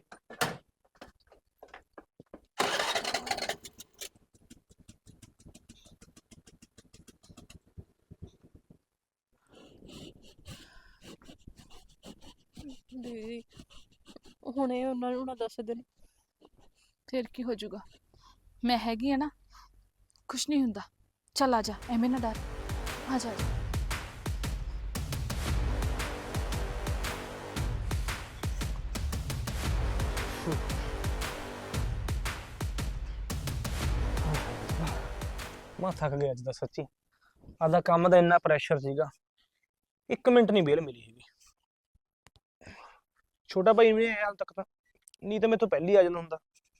C: ਦੀਦੀ ਹੁਣੇ ਉਹਨਾਂ ਨੂੰ ਨਾ ਦੱਸ ਦੇਣ।
D: ਫਿਰ ਕੀ ਹੋ ਜਾਊਗਾ, ਮੈਂ ਹੈਗੀ ਆ ਨਾ, ਕੁਛ ਨਹੀਂ ਹੁੰਦਾ। ਚੱਲ ਆ ਜਾ, ਐਵੇਂ ਨਾ ਡਰ, ਆ ਜਾ ਆ ਜਾ।
E: ਮੈਂ ਥੱਕ ਗਿਆ ਅੱਜ ਦਾ ਸੱਚੀ। ਆਦਾ ਕੰਮ ਦਾ ਇੰਨਾ ਪ੍ਰੈਸ਼ਰ ਸੀਗਾ, ਇੱਕ ਮਿੰਟ ਨਹੀਂ ਵਿਹਲ ਮਿਲੀ ਹੈਗੀ। ਛੋਟਾ ਭਾਈ ਵੀ ਹਾਲ ਤੱਕ ਤਾਂ, ਨਹੀਂ ਤਾਂ ਮੇਰੇ ਤੋਂ ਪਹਿਲੀ ਆ ਜਾਂਦਾ ਹੁੰਦਾ।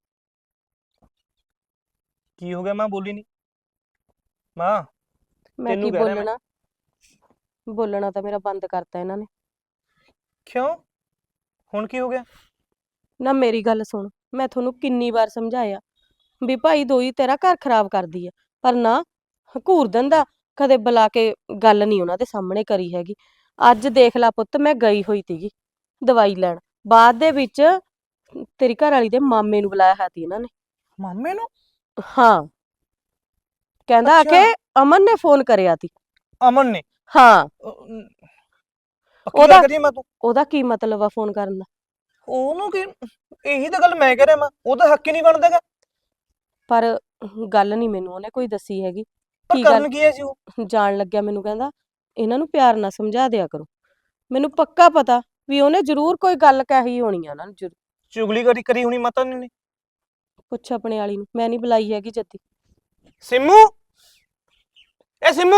E: ਕੀ ਹੋ ਗਿਆ ਮਾਂ, ਬੋਲੀ ਨਹੀਂ ਮਾਂ?
A: ਮੈਂ
E: ਤੈਨੂੰ
A: ਕੀ
E: ਕਹਿ ਰਿਹਾ ਮੈਂ।
A: ਬੋਲਣਾ, ਬੋਲਣਾ ਤਾਂ ਮੇਰਾ ਬੰਦ ਕਰਤਾ ਇਹਨਾਂ ਨੇ।
E: ਕਿਉਂ, ਹੁਣ ਕੀ ਹੋ ਗਿਆ?
A: ਨਾ ਮੇਰੀ ਗੱਲ ਸੁਣ, ਮੈਂ ਤੁਹਾਨੂੰ ਕਿੰਨੀ ਵਾਰ ਸਮਝਾਇਆ ਵੀ ਭਾਈ ਦੋਈ ਤੇਰਾ ਘਰ ਖਰਾਬ ਕਰਦੀ ਆ, ਪਰ ਨਾ ਘੂਰ ਦਿੰਦਾ, ਕਦੇ ਬੁਲਾ ਕੇ ਗੱਲ ਨਹੀਂ ਉਹਨਾਂ ਦੇ ਸਾਹਮਣੇ ਕਰੀ ਹੈਗੀ। ਅੱਜ ਦੇਖ ਲਾ ਪੁੱਤ, ਮੈਂ ਗਈ ਹੋਈ ਤੀਗੀ ਦਵਾਈ ਲੈਣ, ਬਾਅਦ ਦੇ ਵਿੱਚ ਤੇਰੀ ਘਰ ਵਾਲੀ ਦੇ ਮਾਮੇ ਨੂੰ ਬੁਲਾਇਆ ਹੈ ਤੀ ਇਹਨਾਂ ਨੇ।
E: ਮਾਮੇ ਨੂੰ?
A: ਹਾਂ, ਕਹਿੰਦਾ ਆ
E: ਅੱਛਾ।
A: ਕੇ ਅਮਨ ਨੇ ਫੋਨ ਕਰਿਆ ਤੀ।
E: ਅਮਨ ਨੇ?
A: ਹਾਂ,
E: ਅਹ, ਨ- ਪੱਕੀ
A: ਉਹਦਾ-
E: ਗੱਲ ਕਰੀਏ ਮੈਂ ਤੂੰ?
A: ਉਹਦਾ ਕੀ ਮਤਲਬ ਆ ਫੋਨ ਕਰਨ ਦਾ?
E: ਉਹਨੂੰ ਕੀ, ਇਹੀ ਤਾਂ ਗੱਲ ਮੈਂ ਕਹਿ ਰਿਹਾ, ਮੈਂ ਉਹਦਾ ਹੱਕ ਹੀ ਨਹੀਂ ਬਣਦਾਗਾ।
A: ਪਰ ਗੱਲ ਨਹੀਂ ਮੈਨੂੰ ਉਹਨੇ ਕੋਈ ਦੱਸੀ ਹੈਗੀ।
E: ਪਰ
A: ਕੀ ਗੱਲ
E: ਕਰਨ ਕੀ ਹੈ ਸੀ ਉਹ?
A: ਜਾਣ ਲੱਗਿਆ ਮੈਨੂੰ ਕਹਿੰਦਾ ਇਹਨਾਂ ਨੂੰ ਪਿਆਰ ਨਾਲ ਸਮਝਾ ਦਿਆ ਕਰੋ। ਮੈਨੂੰ ਪੱਕਾ ਪਤਾ ਵੀ ਉਹਨੇ ਜ਼ਰੂਰ ਕੋਈ ਗੱਲ ਕਹੀ ਹੋਣੀ ਆ ਉਹਨਾਂ ਨੂੰ। ਜ਼ਰੂਰ
E: ਚੁਗਲੀ ਕਰੀ ਕਰੀ ਹੋਣੀ ਮਾਤਾ ਨੇ।
A: ਪੁੱਛ ਆਪਣੇ ਵਾਲੀ ਨੂੰ, ਮੈਂ ਨਹੀਂ ਬੁਲਾਈ ਹੈਗੀ ਜੱਦੀ।
E: ਸਿੰਮੂ, ਇਹ ਸਿੰਮੂ,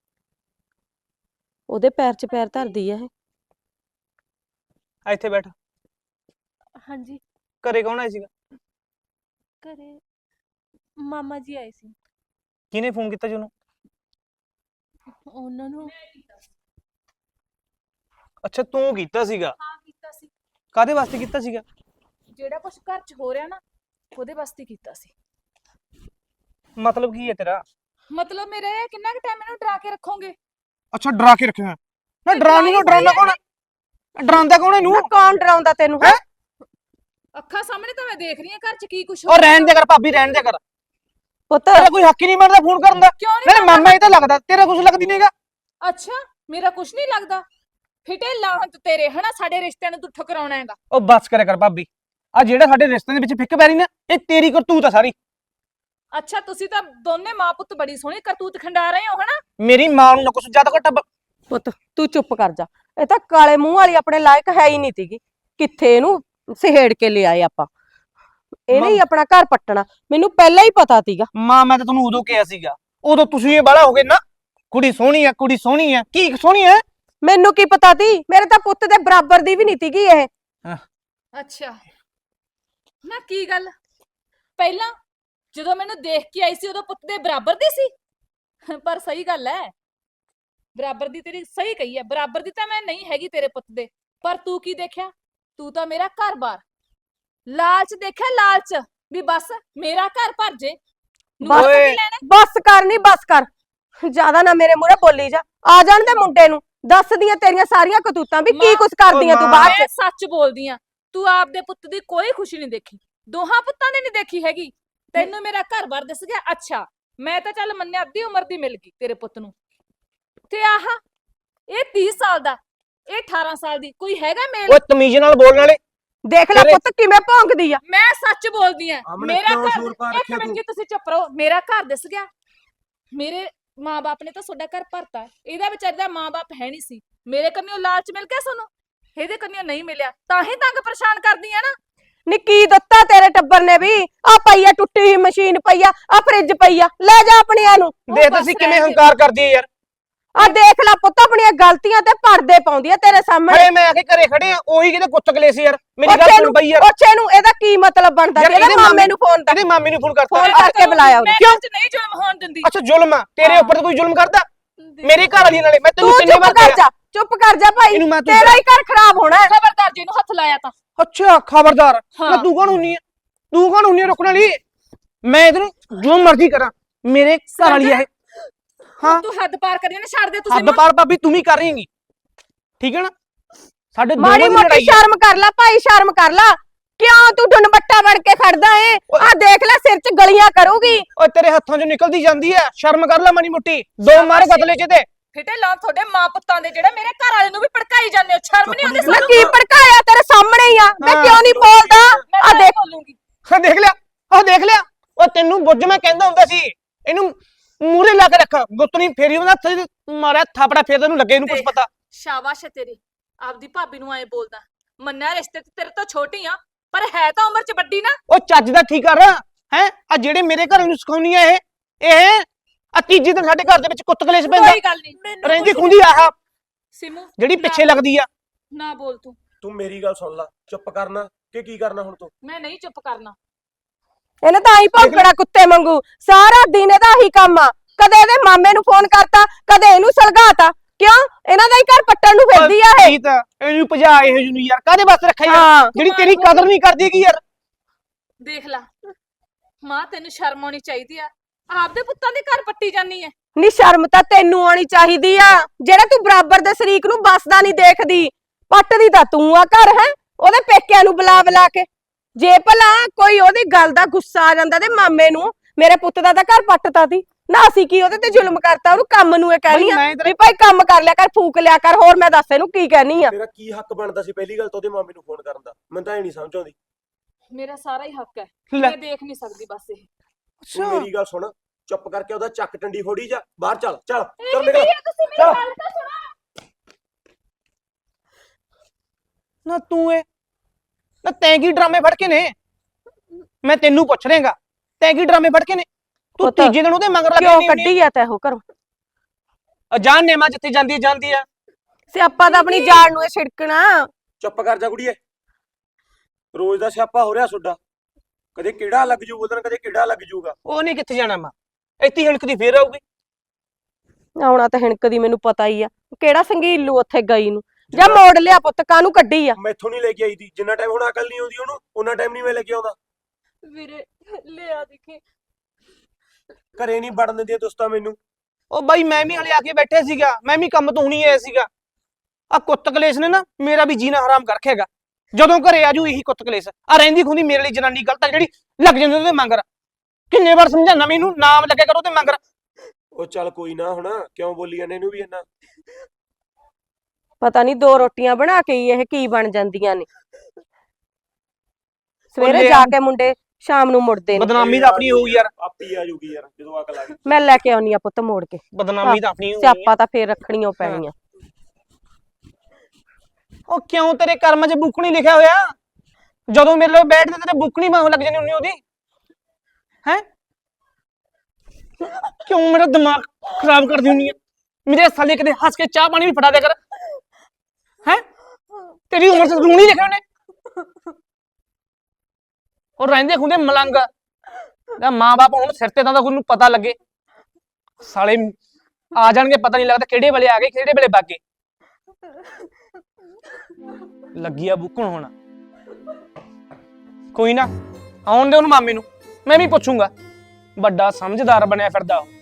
A: ਉਹਦੇ ਪੈਰ 'ਚ ਪੈਰ ਧਰਦੀ ਆ ਇਹ।
E: ਆ ਇੱਥੇ ਬੈਠ।
C: ਹਾਂਜੀ।
E: ਘਰੇ ਕੌਣ ਆਇਆ ਸੀਗਾ?
C: ਘਰੇ ਮਾਮਾ ਜੀ ਆਏ ਸੀ।
E: ਕਿਹਨੇ ਫੋਨ ਕੀਤਾ ਜੀ ਉਹਨੂੰ?
C: ਉਹਨਾਂ ਨੂੰ
E: ਅੱਛਾ ਤੂੰ ਕੀਤਾ ਸੀਗਾ?
D: ਹਾਂ ਕੀਤਾ ਸੀ,
E: ਕਾਹਦੇ ਵਾਸਤੇ ਕੀਤਾ ਸੀਗਾ?
D: ਜਿਹੜਾ ਕੁਛ ਘਰ 'ਚ ਹੋ ਰਿਹਾ ਨਾ, ਉਹਦੇ ਵਾਸਤੇ ਕੀਤਾ ਸੀ।
E: ਮਤਲਬ ਕੀ ਹੈ ਤੇਰਾ?
D: ਮਤਲਬ ਮੇਰਾ ਇਹ, ਕਿੰਨਾ ਕੁ ਟਾਈਮ ਇਹਨੂੰ ਡਰਾ ਕੇ ਰੱਖੋਗੇ?
E: ਅੱਛਾ ਡਰਾ ਕੇ ਰੱਖਿਆ ਨਾ? ਡਰਾਣੀ ਨੂੰ ਡਰਾਉਂਦਾ ਕੌਣ ਹੈ? ਡਰਾਉਂਦਾ ਕੌਣ ਹੈ ਇਹਨੂੰ?
A: ਨਾ ਕੌਣ ਡਰਾਉਂਦਾ ਤੈਨੂੰ?
E: ਹੈਂ?
D: ਅੱਖਾਂ ਸਾਹਮਣੇ ਤਾਂ ਮੈਂ ਦੇਖ ਰਹੀ ਹਾਂ ਘਰ 'ਚ ਕੀ ਕੁਛ
E: ਉਹ ਰਹਿਣ ਦੇ ਕਰ ਭਾਬੀ, ਰਹਿਣ ਦੇ ਕਰ।
A: ਪੁੱਤ
E: ਤੇਰਾ ਕੋਈ ਹੱਕ ਹੀ ਨਹੀਂ ਬਣਦਾ ਫੋਨ ਕਰਨ ਦਾ।
D: ਕਿਉਂ
E: ਮੇਰੇ
D: ਨਹੀਂ
E: ਮਾਮਾ ਇਹ ਤਾਂ ਲੱਗਦਾ, ਤੇਰਾ ਕੁਝ ਲੱਗਦੀ ਨਹੀਂਗਾ।
D: ਅੱਛਾ, ਮੇਰਾ ਕੁਛ ਨਹੀਂ ਲੱਗਦਾ? ਫਿਟੇ ਲਾਹਤ ਤੇਰੇ, ਹਨਾ ਸਾਡੇ ਰਿਸ਼ਤਿਆਂ ਨੂੰ ਤੂੰ ਠੁਕਰਾਉਣਾ ਹੈਗਾ।
E: ਉਹ ਬਸ ਕਰਿਆ ਕਰ ਭਾਬੀ, ਆ ਜਿਹੜਾ ਸਾਡੇ ਰਿਸ਼ਤੇ ਦੇ ਵਿੱਚ ਫਿੱਕ ਪੈ ਰਹੀ ਨਾ, ਇਹ ਤੇਰੀ ਕਰਤੂਤ ਆ ਸਾਰੀ।
D: ਅੱਛਾ ਤੁਸੀਂ ਤਾਂ ਦੋਨੇ ਮਾਂ ਪੁੱਤ ਬੜੀ ਸੋਹਣੀ ਕਰਤੂਤ ਖੰਡਾ ਰਹੇ ਹੋ, ਹਨਾ?
E: ਮੇਰੀ ਮਾਂ ਨੂੰ ਨਾ ਕੁਛ ਜ਼ਿਆਦਾ ਘੱਟ।
A: ਪੁੱਤ ਤੂੰ ਚੁੱਪ ਕਰ ਜਾ, ਇਹ ਤਾਂ ਕਾਲੇ ਮੂੰਹ ਵਾਲੀ ਆਪਣੇ ਲਾਇਕ ਹੈ ਹੀ ਨਹੀਂ ਤੀਗੀ। ਕਿੱਥੇ ਇਹਨੂੰ ਸਿਹੇੜ ਕੇ ਲਿਆਏ ਆਪਾਂ, ਇਹਨੇ ਹੀ ਆਪਣਾ ਘਰ ਪੱਟਣਾ, ਮੈਨੂੰ ਪਹਿਲਾਂ ਹੀ ਪਤਾ ਤੀਗਾ।
E: ਮਾਂ ਮੈਂ ਤਾਂ ਤੁਹਾਨੂੰ ਉਦੋਂ ਕਿਹਾ ਸੀਗਾ, ਉਦੋਂ ਤੁਸੀਂ ਇਹ ਬਾਲਾ ਹੋ ਗਏ ਨਾ, ਕੁੜੀ ਸੋਹਣੀ ਆ, ਕੁੜੀ ਸੋਹਣੀ ਆ। ਕੀ ਸੋਹਣੀ ਆ?
A: ਮੈਨੂੰ ਕੀ ਪਤਾ ਤੀ, ਮੇਰੇ ਤਾਂ ਪੁੱਤ ਦੇ ਬਰਾਬਰ ਦੀ ਵੀ ਨਹੀਂ ਤੀਗੀ ਇਹ।
D: ਅੱਛਾ ਨਾ ਕੀ ਗੱਲ, ਪਹਿਲਾਂ ਜਦੋਂ ਮੈਨੂੰ ਦੇਖ ਕੇ ਆਈ ਸੀ ਉਦੋਂ ਪੁੱਤ ਦੇ ਬਰਾਬਰ ਦੀ ਸੀ। ਪਰ ਸਹੀ ਗੱਲ ਹੈ, ਬਰਾਬਰ ਦੀ ਤੇਰੀ ਸਹੀ ਕਹੀ ਹੈ, ਬਰਾਬਰ ਦੀ ਤਾਂ ਮੈਂ ਨਹੀਂ ਹੈਗੀ ਤੇਰੇ ਪੁੱਤ ਦੇ। ਪਰ ਤੂੰ ਕੀ ਦੇਖਿਆ? ਤੂੰ ਤਾਂ ਮੇਰਾ ਘਰ-ਬਾਰ ਲਾਲਚ ਦੇਖਿਆ, ਲਾਲਚ ਵੀ ਬਸ ਮੇਰਾ ਘਰ ਭਰ ਜੇ। ਨੂੰਹ ਤੋਂ
E: ਓਏ।
D: ਕੀ ਲੈਣਾ?
A: ਬਸ ਕਰ ਨੀ ਬਸ ਕਰ, ਜਿਆਦਾ ਨਾ ਮੇਰੇ ਮੂਹਰੇ ਬੋਲੀ ਜਾ। ਆ ਜਾਣ ਦੇ ਮੁੰਡੇ ਨੂੰ, ਦੱਸਦੀਆਂ ਤੇਰੀਆਂ ਸਾਰੀਆਂ ਕਤੂਤਾਂ ਵੀ ਕੀ
D: ਮਾਂ,
A: ਕੁਛ ਕਰਦੀਆਂ
E: ਓ
A: ਤੂੰ
E: ਮਾਂ।
A: ਬਾਅਦ ਚ।
D: ਮੈਂ ਸੱਚ ਬੋਲਦੀ ਆ, ਤੂੰ ਆਪਦੇ ਪੁੱਤ ਦੀ ਕੋਈ ਖੁਸ਼ੀ ਨਹੀਂ ਦੇਖੀ, ਦੋਹਾਂ ਪੁੱਤਾਂ ਦੀ ਨਹੀਂ ਦੇਖੀ ਹੈਗੀ। ਤੈਨੂੰ ਮੇਰਾ ਘਰ-ਬਾਰ ਦਿਸ ਗਿਆ। ਅੱਛਾ, ਮੈਂ ਤਾਂ ਚੱਲ ਮੰਨਿਆ ਅੱਧੀ ਉਮਰ ਦੀ ਮਿਲ ਗਈ ਤੇਰੇ ਪੁੱਤ ਨੂੰ, ਤੇ ਆਹ ਇਹ ਤੀਹ ਸਾਲ ਦਾ, ਇਹ ਅਠਾਰਾਂ ਸਾਲ ਦੀ, ਕੋਈ ਹੈਗਾ ਮੇਲ?
E: ਓਏ ਤਮੀਜ਼ ਨਾਲ ਬੋਲਣ ਵਾਲੇ।
A: ਦੇਖ ਲੈ
E: ਤੇਰੇ-
A: ਪੁੱਤ ਕਿਵੇਂ ਭੌਂਕਦੀ ਆ।
D: ਮੈਂ ਸੱਚ ਬੋਲਦੀ ਆ।
B: ਆਮਣੇ
D: ਮੇਰਾ
B: ਕਿਉਂ
D: ਘਰ,
B: ਸ਼ੋਰ ਪਾ
D: ਇੱਕ
B: ਰੱਖਿਆ
D: ਮਿੰਟ
B: ਤੂੰ?
D: ਜੀ ਤੁਸੀਂ ਚੁੱਪ ਰਹੋ। ਮੇਰਾ ਘਰ ਦਿਸ ਗਿਆ, ਮੇਰੇ ਮਾਂ-ਬਾਪ ਨੇ ਤਾਂ ਤੁਹਾਡਾ ਘਰ ਭਰਤਾ, ਇਹਦਾ ਵਿਚਾਰੀ ਦਾ ਮਾਂ-ਬਾਪ ਹੈ ਨਹੀਂ ਸੀ। ਮੇਰੇ ਕੰਨਿਓ ਲਾਲਚ ਮਿਲ ਗਿਆ ਤੁਹਾਨੂੰ, ਇਹਦੇ ਕੰਨਿਓ ਨਹੀਂ ਮਿਲਿਆ, ਤਾਂ ਹੀ ਤੰਗ ਪਰੇਸ਼ਾਨ ਕਰਦੀ ਆ ਨਾ।
A: ਨੀ ਕੀ ਦਿੱਤਾ ਤੇਰੇ ਟੱਬਰ ਨੇ ਵੀ? ਆ ਪਈ ਆ ਟੁੱਟੀ ਹੋਈ ਮਸ਼ੀਨ ਪਈ ਆ, ਆ ਫ੍ਰਿਜ ਪਈ ਆ, ਲੈ ਜਾ ਆਪਣੀਆਂ ਨੂੰ।
D: ਉਹ
E: ਦੇਖ
D: ਬਸ
E: ਤੁਸੀਂ ਕਿਵੇਂ
D: ਰਹਿਣ ਦੇ।
E: ਹੰਕਾਰ ਕਰਦੀ ਹੈ ਯਾਰ।
A: ਆ ਦੇਖ ਲੈ ਪੁੱਤ ਆਪਣੀਆਂ ਗਲਤੀਆਂ ਤੇ ਪਰਦੇ ਪਾਉਂਦੀ ਆ ਤੇਰੇ ਸਾਹਮਣੇ।
E: ਹਰੇ ਮੈਂ ਆ ਕੇ ਘਰੇ ਖੜੇ ਆ, ਉਹੀ ਕਿਤੇ ਕੁੱਤ ਕਲੇਸ਼ ਯਾਰ। ਮੇਰੀ ਗੱਲ
A: ਉੱਥੇ
E: ਸੁਣ
A: ਨੂੰ
E: ਬਈ ਯਾਰ।
A: ਉੱਥੇ ਨੂੰ ਇਹਦਾ ਕੀ ਮਤਲਬ ਬਣਦਾ?
E: ਯਾਰ
A: ਇਹਦੇ
E: ਇਹਦੇ
A: ਮਾਮੇ
E: ਮਾਮੇ
A: ਨੂੰ ਫੋਨ ਕਰ,
E: ਇਹਦੇ ਮਾਮੀ ਨੂੰ ਫੋਨ ਕਰਤਾ।
A: ਫੋਨ
D: ਮੈਂ
A: ਕਰਕੇ ਬੁਲਾਇਆ ਉਹਨੇ।
D: ਮੈਂ
E: ਕਿਉਂ?
D: ਘਰ 'ਚ ਨਹੀਂ ਜ਼ੁਲਮ ਹੋਣ ਦਿੰਦੀ।
E: ਅੱਛਾ ਜ਼ੁਲਮ ਆ ਤੇਰੇ
D: ਹਾਂ।
E: ਉੱਪਰ ਤਾਂ ਕੋਈ ਜ਼ੁਲਮ ਕਰਦਾ? ਮੇਰੇ ਘਰ ਵਾਲੀ ਨਾਲੇ ਮੈਂ ਤੈਨੂੰ
A: ਤੂੰ
E: ਕਿੰਨੇ
A: ਚੁੱਪ
E: ਵਾਰ
A: ਕਰ
E: ਕਿਹਾ।
A: ਜਾ, ਚੁੱਪ ਕਰ ਜਾ ਭਾਈ,
E: ਇਹਨੂੰ ਮੈਂ ਤੂੰ
A: ਤੇਰਾ ਹੀ ਘਰ ਖਰਾਬ ਹੋਣਾ ਹੈ।
D: ਖਬਰਦਾਰ ਜੀ ਨੂੰ ਹੱਥ ਲਾਇਆ ਤਾਂ।
E: ਅੱਛਾ ਖਬਰਦਾਰ।
D: ਹਾਂ।
E: ਨਾ ਤੂੰ ਕੌਣ ਹੁੰਨੀ ਆ? ਤੂੰ ਕੌਣ ਹੁੰਨੀ ਆ ਰੁਕਣ ਵਾਲੀ? ਮੈਂ ਇਹਨੂੰ ਜੋ ਮਰਜ਼ੀ ਕਰਾਂ, ਮੇਰੇ ਘਰ ਵਾਲੀ ਆ ਇਹ। ਹਾਂ
D: ਤੂੰ ਹੱਦ ਪਾਰ ਕਰੀ ਨਾ, ਛੱਡ ਦੇ ਤੁਸੀਂ
E: ਹੱਦ ਪਾਰ ਭਾਬੀ ਤੂੰ ਵੀ ਕਰ ਰਹੀ ਹੈਗੀ, ਠੀਕ ਹੈ ਨਾ? ਸਾਡੇ ਦੋਵਾਂ
A: ਮਾੜੀ
E: ਦੀ
A: ਮੋਟੀ
E: ਲੜਾਈ ਆ।
A: ਸ਼ਰਮ ਕਰ ਲੈ ਭਾਈ, ਸ਼ਰਮ ਕਰ ਲੈ। ਕਿਉਂ ਤੂੰ ਡੁੰਬੱਟਾ ਬਣ ਕੇ ਖੜਦਾ ਏ? ਆ ਦੇਖ ਲੈ ਸਿਰ 'ਚ ਗਲੀਆਂ ਕਰੂਗੀ।
E: ਓਏ ਤੇਰੇ ਹੱਥਾਂ 'ਚੋਂ ਨਿਕਲਦੀ ਜਾਂਦੀ ਐ, ਸ਼ਰਮ ਕਰ ਲੈ ਮਾੜੀ ਮੋਟੀ। ਦੋ ਮਾਰ ਗਦਲੇ 'ਚ ਤੇ
D: ਫਿੱਟੇ ਲਾਂ ਤੁਹਾਡੇ ਮਾਂ ਪੁੱਤਾਂ ਦੇ, ਜਿਹੜੇ ਮੇਰੇ ਘਰ ਵਾਲੇ ਨੂੰ ਵੀ ਭੜਕਾਈ ਜਾਂਦੇ ਹੋ। ਸ਼ਰਮ ਨਹੀਂ ਆਉਂਦੀ
A: ਮੈਂ
D: ਸਾਨੂੰ?
A: ਕੀ ਭੜਕਾਇਆ? ਤੇਰੇ ਸਾਹਮਣੇ ਹੀ ਆ, ਮੈਂ
E: ਹਾਂ।
A: ਕਿਉਂ ਨਹੀਂ ਬੋਲਦਾ?
D: ਮੈਂ
A: ਆ
D: ਤਾਂ
A: ਦੇਖ
D: ਬੋਲੂੰਗੀ।
E: ਹਾਂ ਦੇਖ ਲਿਆ, ਉਹ ਦੇਖ ਲਿਆ। ਉਹ ਤੈਨੂੰ ਬੁੱਝ ਮੈਂ ਕਹਿੰਦਾ ਹੁੰਦਾ ਸੀ, ਇਹਨੂੰ ਮੂਹਰੇ ਲਾ ਕੇ ਰੱਖ, ਗੁੱਤਣੀ ਫੇਰੀ ਉਹਦਾ ਹੱਥ 'ਚ ਮਾਰਿਆ ਥਾਪੜਾ, ਫੇਰ ਤੈਨੂੰ ਲੱਗੇ ਇਹਨੂੰ ਕੁਝ
D: ਦੇਖ।
E: ਪਤਾ।
D: ਸ਼ਾਬਾਸ਼ ਹੈ ਤੇਰੀ, ਆਪਦੀ ਭਾਬੀ ਨੂੰ ਐ ਬੋਲਦਾ। ਮੰਨਿਆ ਰਿਸ਼ਤੇ ਤੇ ਤੇਰੇ ਤੋਂ ਛੋਟੀ ਆ, ਪਰ ਹੈ ਤਾਂ ਉਮਰ 'ਚ ਵੱਡੀ ਨਾ।
E: ਉਹ ਚੱਜ ਦਾ ਠੀਕ ਕਰ ਹੈ। ਆ ਜਿਹੜੇ ਮੇਰੇ ਘਰ ਨੂੰ ਸਿਖਾਉਣੀ ਆ ਇਹ ਇਹ ਆ ਤੀਜੀ ਦਿਨ ਸਾਡੇ ਘਰ ਦੇ ਵਿੱਚ ਕੁੱਤ ਕਲੇਸ਼ ਪੈਂਦਾ।
D: ਕੋਈ ਗੱਲ ਨਹੀਂ,
E: ਰਹਿੰਦੀ ਖੁੰਦੀ ਆਹ
D: ਸਿਮੂ
E: ਜਿਹੜੀ
D: ਨਾ
E: ਪਿੱਛੇ
D: ਬੋਲ,
E: ਲੱਗਦੀ ਆ।
D: ਨਾ ਬੋਲ ਤੂੰ।
B: ਤੂੰ ਮੇਰੀ ਗੱਲ ਸੁਣ ਲੈ, ਚੁੱਪ ਕਰਨਾ ਕਿ ਕੀ ਕਰਨਾ ਹੁਣ ਤੂੰ?
D: ਮੈਂ ਨਹੀਂ ਚੁੱਪ ਕਰਨਾ।
A: ਇਹਨੇ ਤਾਂ ਆਈ ਭੌਂਕੜਾ ਕੁੱਤੇ ਵਾਂਗੂ, ਸਾਰਾ ਦਿਨ ਇਹਦਾ ਹੀ ਕੰਮ ਆ। ਕਦੇ ਇਹਦੇ ਮਾਮੇ ਨੂੰ ਫੋਨ ਕਰਤਾ, ਕਦੇ ਇਹਨੂੰ ਸਲਗਾਤਾ। ਕਿਉਂ? ਇਹਨਾਂ ਦਾ ਹੀ ਘਰ ਪੱਟਣ ਨੂੰ ਫਿਰਦੀ ਆ ਇਹ।
E: ਠੀਕ ਆ, ਇਹਨੂੰ ਭਜਾ ਇਹ ਜਨੂੰ ਯਾਰ, ਕਾਹਦੇ ਵਾਸਤੇ ਰੱਖਿਆ ਯਾਰ?
A: ਹਾਂ
E: ਜਿਹੜੀ ਤੇਰੀ ਕਦਰ ਨਹੀਂ ਕਰਦੀ ਕੀ ਯਾਰ।
D: ਦੇਖ ਲੈ ਮਾਂ, ਤੈਨੂੰ ਸ਼ਰਮ ਆਉਣੀ ਚਾਹੀਦੀ ਆ, ਆਪਦੇ ਪੁੱਤਾਂ ਦੇ ਘਰ ਪੱਟੀ ਜਾਨੀ ਐ।
A: ਨੀ ਸ਼ਰਮ ਤਾਂ ਤੈਨੂੰ ਆਉਣੀ ਚਾਹੀਦੀ ਆ, ਜਿਹੜਾ ਤੂੰ ਬਰਾਬਰ ਦੇ ਸ਼ਰੀਕ ਨੂੰ ਬਸਦਾ ਨਹੀਂ ਦੇਖਦੀ। ਪੱਟਦੀ ਤਾਂ ਤੂੰ ਆ ਘਰ, ਹੈ ਉਹਦੇ ਪੇਕਿਆਂ ਨੂੰ ਬੁਲਾ ਬੁਲਾ ਕੇ। ਜੇ ਭਲਾ ਕੋਈ ਉਹਦੀ ਗੱਲ ਦਾ ਗੁੱਸਾ ਆ ਜਾਂਦਾ ਤੇ ਮਾਮੇ ਨੂੰ, ਮੇਰੇ ਪੁੱਤ ਦਾ ਤਾਂ ਘਰ ਪੱਟਤਾ ਸੀ ਨਾ, ਅਸੀਂ ਕੀ ਉਹਦੇ ਤੇ ਜ਼ੁਲਮ ਕਰਤਾ? ਉਹਨੂੰ ਕੰਮ ਨੂੰ ਇਹ ਕਹਿਣੀ ਆ
E: ਮੈਂ ਤੇਰੇ-
A: ਵੀ ਭਾਈ ਕੰਮ ਕਰ ਲਿਆ ਕਰ, ਫੂਕ ਲਿਆ ਕਰ। ਹੋਰ ਮੈਂ ਦੱਸ ਇਹਨੂੰ ਕੀ ਕਹਿਣੀ ਆ?
B: ਤੇਰਾ ਕੀ ਹੱਕ ਬਣਦਾ ਸੀ ਪਹਿਲੀ ਗੱਲ ਤਾਂ ਉਹਦੇ ਮਾਮੇ ਨੂੰ ਫੋਨ ਕਰਨ ਦਾ? ਮੈਨੂੰ ਤਾਂ ਇਹ ਨਹੀਂ ਸਮਝ ਆਉਂਦੀ।
D: ਮੇਰਾ ਸਾਰਾ ਹੀ ਹੱਕ ਹੈ,
E: ਲੈ।
D: ਮੈਂ ਦੇਖ ਨਹੀਂ ਸਕਦੀ ਬਸ ਇਹ।
B: ਤੂੰ ਮੇਰੀ ਗੱਲ ਸੁਣ, ਚੁੱਪ ਕਰਕੇ ਉਹਦਾ ਚੱਕ ਟੰਡੀ ਫੋੜੀ ਜਾ, ਬਾਹਰ ਚੱਲ ਚੱਲ
D: ਇਹ
B: ਚੱਲ
D: ਕੀ
B: ਨਿਕਲ।
D: ਹੈ? ਤੁਸੀਂ ਮੇਰੀ
B: ਚੱਲ।
D: ਗੱਲ ਤਾਂ ਸੁਣੋ।
E: ਨਾ ਤੂੰ ਇਹ ਨਾ ਤੈਂ ਕੀ ਡਰਾਮੇ ਫੜ ਕੇ ਨੇ? ਮੈਂ ਤੈਨੂੰ ਪੁੱਛ ਰਿਹਾਗਾ, ਤੈਂ ਕੀ ਡਰਾਮੇ ਫੜ ਕੇ ਨੇ? ਤੂੰ
A: ਪੁੱਤ,
E: ਤੀਜੇ ਦਿਨ ਉਹਦੇ ਮਗਰ ਲੱਗੀ
A: ਕਿਉਂ
E: ਨਹੀਂ ਹੁੰਦੀ।
A: ਕੱਢੀ ਆ ਤੈ ਉਹ ਘਰੋਂ?
E: ਜਾਨ ਨੇ ਮਾਂ ਜਿੱਥੇ ਜਾਂਦੀ ਹੈ ਜਾਂਦੀ ਆ।
A: ਸਿਆਪਾ ਤਾਂ ਆਪਣੀ ਜਾਨ ਨੂੰ ਇਹ ਛਿੜਕਣਾ।
B: ਚੁੱਪ ਕਰ ਜਾ ਕੁੜੀਏ, ਰੋਜ਼ ਦਾ ਸਿਆਪਾ ਹੋ ਰਿਹਾ ਤੁਹਾਡਾ। ਕਦੇ ਕਿਹੜਾ ਲੱਗ ਜੂ ਉਹਦਨ, ਕਦੇ ਕਿਹੜਾ ਲੱਗ ਜੂਗਾ।
E: ਉਹ ਨਹੀਂ ਕਿੱਥੇ ਜਾਣਾ ਮਾਂ, ਇੱਥੇ ਹਣਕਦੀ ਫੇਰ ਆਊਗੀ।
A: ਆਉਣਾ ਤਾਂ ਹਿਣਕਦੀ ਮੈਨੂੰ ਪਤਾ ਹੀ ਆ, ਕਿਹੜਾ ਸੰਗੀਲੂ ਉੱਥੇ ਗਈ ਨੂੰ। ਜਾਂ ਮੋੜ ਲਿਆ ਪੁੱਤ, ਕਾਹਨੂੰ ਕੱਢੀ ਆ?
B: ਮੈਥੋਂ ਨਹੀਂ ਲੈ ਕੇ ਆਈ ਦੀ, ਜਿੰਨਾ ਟਾਈਮ ਹੁਣ ਅਕਲ ਨਹੀਂ ਆਉਂਦੀ ਉਹਨੂੰ, ਉਹਨਾਂ ਟਾਈਮ ਨਹੀਂ ਮੈਂ ਲੈ ਕੇ ਆਉਂਦਾ।
D: ਵੀਰੇ ਲਿਆ ਦੇਖੀ।
B: ਘਰੇ ਨਹੀਂ ਵੜਨ ਦਿੰਦੀਆਂ ਦੋਸਤਾਂ ਮੈਨੂੰ।
E: ਉਹ ਬਾਈ ਮੈਂ ਵੀ ਹਲੇ ਆ ਕੇ ਬੈਠੇ ਸੀਗਾ, ਮੈਂ ਵੀ ਕੰਮ ਤੋਂ ਹੁਣੀ ਆਇਆ ਸੀਗਾ। ਆ ਕੁੱਤ ਕਲੇਸ਼ ਨੇ ਨਾ ਮੇਰਾ ਵੀ ਜੀਣਾ ਹਰਾਮ ਕਰ ਰੱਖਿਆਗਾ। ਜਦੋਂ ਘਰੇ ਆਜੂ ਇਹੀ ਕੁੱਤ ਕਲੇਸ਼ ਆ। ਰਹਿੰਦੀ ਖੁੰਦੀ ਮੇਰੇ ਲਈ ਜਨਾਨੀ ਗਲਤ ਆ, ਜਿਹੜੀ ਲੱਗ ਜਾਂਦੀ ਉਹਦੇ ਮੰਗਰ। ਕਿੰਨੇ ਵਾਰ ਸਮਝਾਣਾ ਮੈਨੂੰ, ਨਾਮ ਲੱਗਿਆ ਕਰੋ ਤੇ ਮੰਗਰ।
B: ਉਹ ਚੱਲ ਕੋਈ ਨਾ, ਹੁਣ ਕਿਉਂ ਬੋਲੀ ਜਾਂਦੇ ਇਹਨੂੰ ਵੀ ਇੰਨਾ?
A: ਪਤਾ ਨਹੀਂ ਦੋ ਰੋਟੀਆਂ ਬਣਾ ਕੇ ਹੀ ਇਹ ਕੀ ਬਣ ਜਾਂਦੀਆਂ ਨੇ। ਸਵੇਰੇ
E: ਲੈ
A: ਜਾ
E: ਆ।
A: ਕੇ ਮੁੰਡੇ ਸ਼ਾਮ ਨੂੰ ਮੁੜਦੇ ਨੇ।
E: ਬਦਨਾਮੀ ਤਾਂ ਆਪਣੀ ਹੋਊਗੀ ਯਾਰ,
B: ਆਪੀ ਆ ਜੂਗੀ ਯਾਰ ਜਦੋਂ ਅਕਲ ਆ ਗਈ।
A: ਮੈਂ ਲੈ ਕੇ ਆਉਣੀ ਆ ਪੁੱਤ ਮੋੜ ਕੇ।
E: ਬਦਨਾਮੀ ਤਾਂ ਆਪਣੀ ਹੋਊਗੀ।
A: ਸਿਆਪਾ ਤਾਂ ਫੇਰ ਰੱਖਣੀਆਂ ਪੈਣੀਆਂ।
E: ਉਹ ਕਿਉਂ ਤੇਰੇ ਕਰਮ 'ਚ ਬੁੱਕਣੀ ਲਿਖਿਆ ਹੋਇਆ? ਜਦੋਂ ਮੇਰੇ ਨਾਲ ਬੈਠਦੇ ਤੇਰੇ ਬੁੱਕਣੀ ਮਾਂ ਲੱਗ ਜਾਣੀ ਹੁੰਦੀ ਉਹਦੀ, ਹੈ? ਕਿਉਂ ਮੇਰਾ ਦਿਮਾਗ ਖਰਾਬ ਕਰਦੀ ਹੁੰਦੀ ਹੈ? ਮੇਰੇ ਸਾਲੇ ਕਦੇ ਹੱਸ ਕੇ ਚਾਹ ਪਾਣੀ ਵੀ ਫੜਾ ਦਿਆ ਕਰ, ਹੈ? ਤੇਰੀ ਉਮਰ 'ਚ ਰੂਣੀ ਲਿਖਿਆ ਉਹਨੇ। ਉਹ ਰਹਿੰਦੇ ਖੁੰਦੇ ਮਲੰਗ ਦਾ ਮਾਂ-ਬਾਪ ਹੁਣ ਸਿਰ ਤੇ ਤਾਂ ਉਹਨੂੰ ਪਤਾ ਲੱਗੇ ਸਾਲੇ ਆ ਜਾਣਗੇ ਪਤਾ ਨਹੀਂ ਲੱਗਦਾ ਕਿਹੜੇ ਵੇਲੇ ਆ ਗਏ ਕਿਹੜੇ ਵੇਲੇ ਵਗ ਗਏ ਲੱਗੀ ਆ ਬੁੱਕਣ ਹੁਣ ਕੋਈ ਨਾ ਆਉਣ ਦੇ ਉਹਨੂੰ ਮਾਮੇ ਨੂੰ ਮੈਂ ਵੀ ਪੁੱਛੂੰਗਾ ਵੱਡਾ ਸਮਝਦਾਰ ਬਣਿਆ ਫਿਰਦਾ ਉਹ